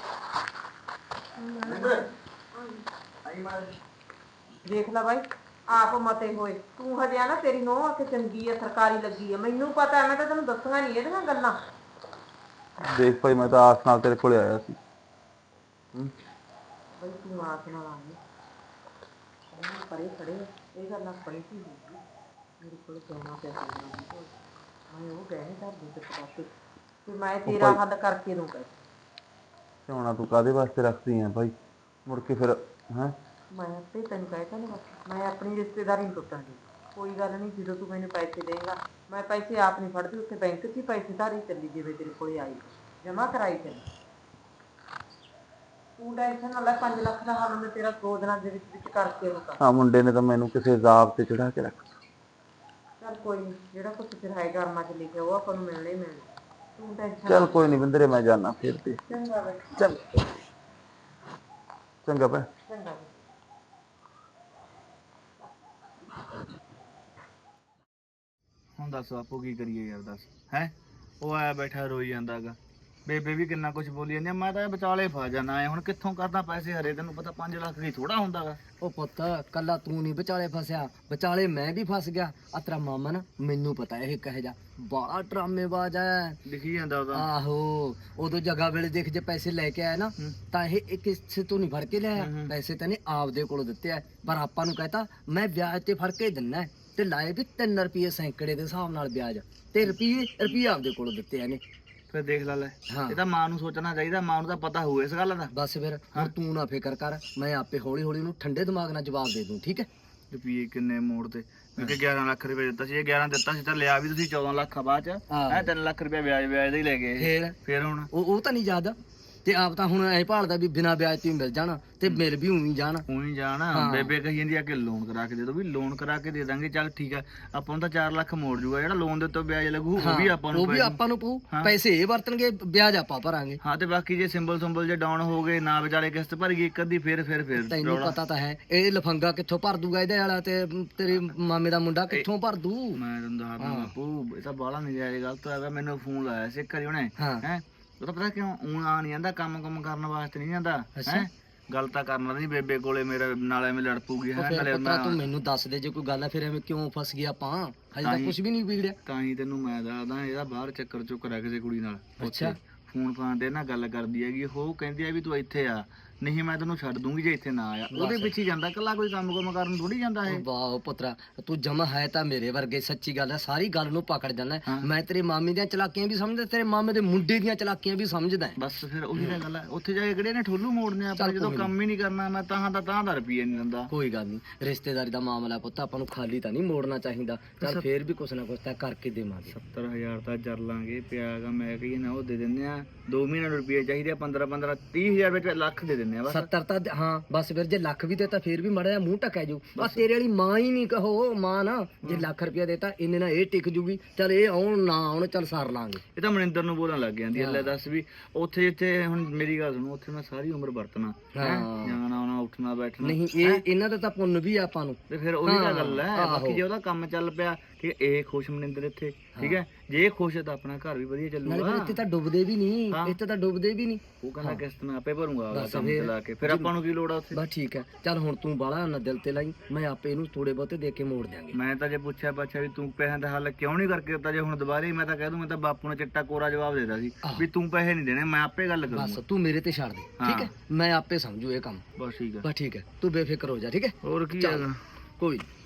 Speaker 4: ਦੇਖ ਲੈ ਬਾਈ ਆਪ ਮਤੇ ਹੋਏ, ਤੂੰ ਹਜੇ ਆ ਨਾ ਤੇਰੀ ਨੋਹ ਆ ਕੇ ਚੰਗੀ ਆ, ਸਰਕਾਰੀ ਲੱਗੀ ਆ, ਮੈਨੂੰ ਪਤਾ ਮੈਂ ਤਾਂ ਤੈਨੂੰ ਦੱਸਾਂਗਾ ਨਹੀਂ ਇਹਦੀਆਂ ਗੱਲਾਂ।
Speaker 6: ਦੇਖ ਭਾਈ ਮੈਂ ਤਾਂ ਆਸ ਨਾਲ ਤੇਰੇ ਕੋਲੇ ਆਇਆ ਸੀ।
Speaker 4: ਬਈ ਤੂੰ ਆਸ ਨਾਲ ਆ ਗਈ, ਪਰੇ ਖੜੇ ਇਹ ਗੱਲਾਂ ਪਰੇ ਕੀ ਹੋਊਗੀ, ਮੇਰੇ ਕੋਲ ਜਾਣਾ ਪਿਆ ਮੈਂ ਉਹ ਗਏ ਧਰ ਦੇ ਤੇ ਪਾਸੇ ਤੇ ਮੈਂ ਤੇਰਾ ਹੱਲ ਕਰਕੇ ਦੂੰਗਾ।
Speaker 6: ਸੋਨਾ ਤੂੰ ਕਾਦੇ ਵਾਸਤੇ ਰੱਖਦੀ ਆ ਭਾਈ, ਮੁੜ ਕੇ ਫਿਰ ਹੈ
Speaker 4: ਮੈਂ ਆਪੇ ਤੈਨੂੰ ਕਹਿਤਾ ਨਾ, ਮੈਂ ਆਪਣੀ ਰਿਸ਼ਤੇਦਾਰੀ ਨਹੀਂ ਟੁੱਟਾਂਗੀ, ਕੋਈ ਗੱਲ ਨਹੀਂ, ਜਦੋਂ ਤੂੰ ਮੈਨੂੰ ਪੈਸੇ ਦੇਂਗਾ ਮੈਂ ਪੈਸੇ ਆਪ ਨਹੀਂ ਫੜਦੀ, ਉੱਥੇ ਬੈਂਕ 'ਚ ਹੀ ਪੈਸੇ ਧਾਰੀ ਚੱਲੀ ਜਿਵੇਂ ਤੇਰੇ ਕੋਲੇ ਆਈ ਜਮਾ ਕਰਾਈ ਚੱਲੀ, ਤੂੰ ਟੈਨਸ਼ਨ ਨਾ ਲੈ, 5 ਲੱਖ ਦਾ ਹੱਲ ਮੈਂ ਤੇਰਾ 2 ਦਿਨਾਂ ਦੇ ਵਿੱਚ ਕਰਕੇ ਹੋਊਗਾ।
Speaker 6: ਆ ਮੁੰਡੇ ਨੇ ਤਾਂ ਮੈਨੂੰ ਕਿਸੇ ਜ਼ਾਬ ਤੇ ਚੜਾ ਕੇ ਰੱਖ।
Speaker 4: ਚੱਲ ਕੋਈ ਨਹੀਂ, ਜਿਹੜਾ ਕੁਛ ਫਿਰ ਹੈ ਕਰਮਾਂ 'ਚ ਲਿਖਿਆ ਉਹ ਆਪਾਂ ਨੂੰ ਮਿਲਣਾ ਹੀ ਮਿਲਣਾ, ਤੂੰ ਟੈਨਸ਼ਨ
Speaker 6: ਚੱਲ ਕੋਈ ਨਹੀਂ ਬਿੰਦਰੇ, ਮੈਂ ਜਾਣਾ ਫਿਰ ਤੇ।
Speaker 4: ਚੰਗਾ ਬਈ,
Speaker 6: ਚੱਲ ਚੰਗਾ ਭੈ।
Speaker 4: ਚੰਗਾ।
Speaker 2: ਹੁਣ ਦੱਸ ਆਪੋ ਕੀ ਕਰੀਏ ਯਾਰ, ਦੱਸ ਹੈ, ਉਹ ਆਇਆ ਬੈਠਾ ਰੋਈ ਜਾਂਦਾਗਾ, ਬੇਬੇ ਵੀ ਕਿੰਨਾ ਕੁਝ ਬੋਲੀ ਜਾਂਦੀ ਆ, ਮੈਂ ਤਾਂ ਵਿਚਾਲੇ ਫਸ ਜਾਣਾ ਆ, ਹੁਣ ਕਿੱਥੋਂ ਕਰਦਾ ਪੈਸੇ ਹਰੇ, ਤੈਨੂੰ ਪਤਾ 5 ਲੱਖ ਕੀ ਥੋੜਾ ਹੁੰਦਾਗਾ।
Speaker 5: ਉਹ ਪੁੱਤ ਕੱਲਾ ਤੂੰ ਨਹੀਂ ਵਿਚਾਲੇ ਫਸਿਆ, ਵਿਚਾਲੇ ਮੈਂ ਵੀ ਫਸ ਗਿਆ, ਆ ਤੇਰਾ ਮਾਮਾ ਨਾ ਮੈਨੂੰ ਪਤਾ ਇਹ ਕਹੇ ਜਾ ਬੜਾ ਡਰਾਮੇਬਾਜ਼ ਹੈ,
Speaker 2: ਲਿਖੀ ਜਾਂਦਾ ਉਹਦਾ।
Speaker 5: ਆਹੋ ਉਦੋਂ ਜਗ੍ਹਾ ਵੇਲੇ ਦੇਖ ਜੇ ਪੈਸੇ ਲੈ ਕੇ ਆਇਆ ਨਾ ਤਾਂ ਇਹ ਕਿਸੇ ਤੋਂ ਨਹੀਂ ਫੜ ਕੇ ਲਿਆਇਆ, ਪੈਸੇ ਤਾਂ ਨੇ ਆਪਦੇ ਕੋਲੋਂ ਦਿੱਤੇ ਆ, ਪਰ ਆਪਾਂ ਨੂੰ ਕਹਤਾ ਮੈਂ ਵਿਆਜ ਤੇ ਫੜ ਕੇ ਦਿੰਨਾ ਤੇ ਲਾਏ ਵੀ 3 ਰੁਪਏ ਸੈਂਕੜੇ ਦੇ ਹਿਸਾਬ ਨਾਲ ਵਿਆਜ, ਤੇ ਰੁਪਏ ਆਪਦੇ ਕੋਲੋਂ ਦਿੱਤੇ ਆ ਨੇ।
Speaker 2: ਫਿਰ ਦੇਖ ਲੈ ਲੈ, ਇਹ ਤਾਂ ਮਾਂ ਨੂੰ ਸੋਚਣਾ ਚਾਹੀਦਾ, ਮਾਂ ਨੂੰ ਤਾਂ ਪਤਾ ਹੋਊ ਇਸ ਗੱਲ ਦਾ।
Speaker 5: ਬਸ ਫਿਰ ਹੁਣ ਤੂੰ ਨਾ ਫਿਕਰ ਕਰ, ਮੈਂ ਆਪੇ ਹੌਲੀ ਹੌਲੀ ਉਹਨੂੰ ਠੰਡੇ ਦਿਮਾਗ ਨਾਲ ਜਵਾਬ ਦੇ ਦੂੰ, ਠੀਕ ਹੈ।
Speaker 2: ਰੁਪਏ ਕਿੰਨੇ ਮੋੜ ਤੇ, ਕਿਉਂਕਿ 11 ਲੱਖ ਰੁਪਏ ਦਿੱਤਾ ਸੀ, ਇਹ 11 ਦਿੱਤਾ ਸੀ ਤਾਂ ਲਿਆ ਵੀ ਤੁਸੀਂ 14 ਲੱਖ ਬਾਅਦ ਚ, 3 ਲੱਖ ਰੁਪਏ ਵਿਆਜ ਦਾ ਹੀ ਲੈ ਗਏ। ਫਿਰ ਹੁਣ
Speaker 5: ਉਹ ਤਾਂ ਨਹੀਂ ਯਾਦ, ਤੇ ਆਪ ਤਾਂ ਹੁਣ ਐ ਭਾਲਦਾ ਵੀ ਬਿਨਾਂ ਵਿਆਜ ਤੋਂ ਹੀ ਮਿਲ ਜਾਣਾ ਤੇ ਮਿਲ ਵੀ ਉਵੇਂ ਜਾਣ।
Speaker 2: ਉਹੀ ਜਾਣਾ ਬੇਬੇ ਕਹੀ ਜਾਂਦੀ ਆ ਕਿ ਲੋਨ ਕਰਾ ਕੇ ਦੇ ਦੋ, ਵੀ ਲੋਨ ਕਰਾ ਕੇ ਦੇ ਦਾਂਗੇ, ਚੱਲ ਠੀਕ ਆ, ਆਪਾਂ ਨੂੰ ਤਾਂ 4 ਲੱਖ ਮੋੜ ਜੂਗਾ, ਜਿਹੜਾ ਲੋਨ ਦੇ ਉੱਤੇ ਵਿਆਜ ਲੱਗੂ ਉਹ ਵੀ ਆਪਾਂ ਨੂੰ
Speaker 5: ਪਊ, ਪੈਸੇ ਇਹ ਵਰਤਣਗੇ, ਵਿਆਜ ਆਪਾਂ ਭਰਾਂਗੇ।
Speaker 2: ਹਾਂ, ਤੇ ਬਾਕੀ ਜੇ ਸਿੰਬਲ ਜੇ ਡਾਊਨ ਹੋ ਗਏ ਨਾ ਵਿਚਾਲੇ ਕਿਸ਼ਤ ਭਰ ਗਈ ਇੱਕ ਅੱਧੀ, ਫਿਰ
Speaker 5: ਤੈਨੂੰ ਪਤਾ ਤਾਂ ਹੈ ਇਹ ਲਫੰਗਾ ਕਿੱਥੋਂ ਭਰ ਦੂਗਾ ਇਹਦੇ ਵਾਲਾ, ਤੇ ਤੇਰੇ ਮਾਮੇ ਦਾ ਮੁੰਡਾ ਕਿੱਥੋਂ ਭਰ ਦੂ।
Speaker 2: ਮੈਂ ਤੈਨੂੰ ਦੱਸਦਾ ਬਾਪੂ, ਇਹ ਤਾਂ ਬਾਹਲਾ ਨਜਾਇਜ਼ ਗਲਤ ਹੋਇਆ। ਮੈਨੂੰ ਫੋਨ ਲਾਇਆ ਸੀ ਘਰੇ ਉਹਨੇ, ਹੈ ਉਹ ਤਾਂ ਪਤਾ ਕਿਉਂ ਉਹ ਆ ਨਹੀਂ ਜਾਂਦਾ, ਕੰਮ ਕਰਨ ਵਾਸਤੇ ਨਹੀਂ ਜਾਂਦਾ, ਹੈ ਗੱਲ ਤਾਂ ਕਰਨਾ ਨਹੀਂ ਬੇਬੇ ਕੋਲੇ, ਮੇਰੇ ਨਾਲ ਐਵੇਂ ਲੜ ਪੂਗੀ।
Speaker 5: ਨਾਲੇ ਤੂੰ ਮੈਨੂੰ ਦੱਸ ਦੇ ਜੇ ਕੋਈ ਗੱਲ ਹੈ, ਫਿਰ ਐਵੇਂ ਕਿਉਂ ਫਸ ਗਿਆ ਆਪਾਂ, ਹਜੇ ਤਾਂ ਕੁਝ ਵੀ ਨਹੀਂ ਵਿਗੜਿਆ।
Speaker 2: ਤਾਂ ਹੀ ਤੈਨੂੰ ਮੈਂ ਦੱਸਦਾ, ਇਹਦਾ ਬਾਹਰ ਚੱਕਰ ਚੁੱਕ ਰਿਹਾ ਕਿਸੇ ਕੁੜੀ ਨਾਲ।
Speaker 5: ਅੱਛਾ,
Speaker 2: ਫੋਨ ਫਾਨ ਤੇ ਨਾ ਗੱਲ ਕਰਦੀ ਹੈਗੀ, ਉਹ ਕਹਿੰਦੀ ਆ ਵੀ ਤੂੰ ਇੱਥੇ ਆ, ਨਹੀਂ ਮੈਂ ਤੈਨੂੰ ਛੱਡ ਦੂੰਗੀ ਜੇ ਇੱਥੇ ਨਾ ਆਇਆ। ਉਹਦੇ ਪਿੱਛੇ ਜਾਂਦਾ ਕੱਲਾ, ਕੋਈ ਕੰਮ ਕਰਨ ਥੋੜੀ ਜਾਂਦਾ ਇਹ।
Speaker 5: ਵਾਹ ਪੁੱਤਰਾ, ਤੂੰ ਜਮਾ ਹੈ ਤਾਂ ਮੇਰੇ ਵਰਗੇ, ਸੱਚੀ ਗੱਲ ਹੈ, ਸਾਰੀ ਗੱਲ ਨੂੰ ਪਕੜ ਜਾਂਦਾ। ਮੈਂ ਤੇਰੇ ਮਾਮੇ ਦੀਆਂ ਚਲਾਕੀਆਂ ਵੀ ਸਮਝਦਾ, ਤੇਰੇ ਮਾਮੇ ਦੇ ਮੁੰਡੇ ਦੀਆਂ ਚਲਾਕੀਆਂ ਵੀ ਸਮਝਦਾ।
Speaker 2: ਬਸ ਫਿਰ ਉਹੀ ਤਾਂ ਗੱਲ ਹੈ, ਉੱਥੇ ਜਾ ਕੇ ਕਿਹੜੇ ਨੇ ਠੋਲੂ ਮੋੜਨੇ ਆਪਾਂ, ਜਦੋਂ ਕੰਮ ਹੀ ਨਹੀਂ ਕਰਨਾ। ਮੈਂ ਤਾਂ ਦਾ ਰੁਪਈਆ ਨਹੀਂ ਦਿੰਦਾ।
Speaker 5: ਕੋਈ ਗੱਲ ਨਹੀਂ, ਰਿਸ਼ਤੇਦਾਰੀ ਦਾ ਮਾਮਲਾ ਪੁੱਤ, ਆਪਾਂ ਨੂੰ ਖਾਲੀ ਤਾਂ ਨਹੀਂ ਮੋੜਨਾ ਚਾਹੀਦਾ। ਚੱਲ ਫੇਰ ਵੀ ਕੁਛ ਨਾ ਕੁਛ ਤਾਂ ਕਰਕੇ ਦੇਵਾਂਗੇ।
Speaker 2: 70,000 ਤਾਂ ਜਰ ਲਾਂਗੇ ਪਿਆਗਾ, ਮੈਂ ਕਹੀ ਨਾ ਉਹ ਦੇ ਦਿੰਦੇ ਆ, 2 ਮਹੀਨੇ ਨੂੰ ਰੁਪਈਆ ਚਾਹੀਦੇ ਆ, 15 30,000 ਵਿੱਚ ਲੱਖ ਦੇ ਦਿੰਦੇ ਆ ਬਸ।
Speaker 5: 70 ਤਾਂ ਹਾਂ ਬਸ, ਫਿਰ ਜੇ ਲੱਖ ਵੀ ਦੇਤਾ ਫੇਰ ਵੀ ਮੜਾ ਜਾ ਮੂੰਹ ਟਕਿਆ ਜਾਊ। ਬਸ ਤੇਰੇ ਵਾਲੀ ਮਾਂ ਹੀ ਨਹੀਂ ਕਹੋ, ਮਾਂ ਨਾ ਜੇ ਲੱਖ ਰੁਪਇਆ ਦੇਤਾ ਇਹਨੇ ਨਾਲ ਇਹ ਟਿਕ ਜੂਗੀ, ਚੱਲ ਇਹ ਆਉਣ ਨਾ ਆਉਣ, ਚੱਲ ਸਾਰ ਲਾਂਗੇ।
Speaker 2: ਇਹ ਤਾਂ ਮਨਿੰਦਰ ਨੂੰ ਬੋਲਣ ਲੱਗ ਜਾਂਦੀ ਹੈ, ਲੈ ਦੱਸ ਵੀ ਉੱਥੇ ਜਿੱਥੇ ਹੁਣ ਮੇਰੀ ਗੱਲ ਸੁਣੋ, ਉੱਥੇ ਮੈਂ ਸਾਰੀ ਉਮਰ ਵਰਤਣਾ, ਜਾਣਾ ਆਉਣਾ ਉੱਠਣਾ ਬੈਠਣਾ
Speaker 5: ਨਹੀਂ, ਇਹ ਇਹਨਾਂ ਦਾ ਤਾਂ ਪੁੰਨ ਵੀ ਆ ਆਪਾਂ ਨੂੰ।
Speaker 2: ਤੇ ਫਿਰ ਉਹੀ ਤਾਂ ਗੱਲ ਹੈ। ਬਾਕੀ ਜੇ ਉਹਦਾ ਕੰਮ ਚੱਲ ਪਿਆ, ਠੀਕ ਹੈ, ਇਹ ਖੁਸ਼ ਮਨਿੰਦਰ ਇੱਥੇ, ਠੀਕ ਹੈ, ਜੇ ਇਹ ਖੁਸ਼ ਹੈ ਤਾਂ ਆਪਣਾ ਘਰ ਵੀ ਵਧੀਆ ਚੱਲੂਗਾ।
Speaker 5: ਇੱਥੇ ਤਾਂ ਡੁੱਬਦੇ ਵੀ ਨਹੀਂ, ਇੱਥੇ ਤਾਂ ਡੁੱਬਦੇ ਵੀ ਨਹੀਂ।
Speaker 2: ਉਹ ਕਹਿੰਦਾ ਕਿਸ਼ਤ ਮੈਂ ਆਪੇ ਭਰੂੰਗਾ, ਕੰਮ ਚਲਾ ਕੇ, ਫਿਰ ਆਪਾਂ ਨੂੰ ਕੀ ਲੋੜ ਆ ਉੱਥੇ।
Speaker 5: ਬਸ ਠੀਕ ਹੈ, ਚੱਲ ਹੁਣ ਤੂੰ ਬਾਹਲਾ ਨਾ ਦਿਲ ਤੇ ਲਾਈ, ਮੈਂ ਆਪੇ ਇਹਨੂੰ ਥੋੜੇ ਬਹੁਤੇ ਦੇ ਕੇ ਮੋੜ ਦਿਆਂਗੇ।
Speaker 2: ਮੈਂ ਤਾਂ ਜੇ ਪੁੱਛਿਆ ਵੀ ਤੂੰ ਪੈਸਿਆਂ ਦਾ ਹੱਲ ਕਿਉਂ ਨਹੀਂ ਕਰਕੇ ਦਿੱਤਾ, ਜੇ ਹੁਣ ਦੁਬਾਰੇ ਮੈਂ ਤਾਂ ਕਹਿ ਦੂੰ, ਮੈਂ ਤਾਂ ਬਾਪੂ ਨੇ ਚਿੱਟਾ ਕੋਰਾ ਜਵਾਬ ਦੇਦਾ ਸੀ ਵੀ ਤੂੰ ਪੈਸੇ ਨਹੀਂ ਦੇਣੇ, ਮੈਂ ਆਪੇ ਗੱਲ ਕਰੂੰਗਾ।
Speaker 5: ਬਸ ਤੂੰ ਮੇਰੇ ਤੇ ਛੱਡ ਦੇ, ਠੀਕ ਹੈ, ਮੈਂ ਆਪੇ ਸਮਝੂ ਇਹ ਕੰਮ।
Speaker 2: ਬਸ ਠੀਕ ਹੈ,
Speaker 5: ਬਸ ਠੀਕ ਹੈ, ਤੂੰ ਬੇਫਿਕਰ ਹੋ ਜਾ, ਠੀਕ ਹੈ।
Speaker 2: ਹੋਰ ਕੀ ਹੈਗਾ।
Speaker 5: ਕੋਈ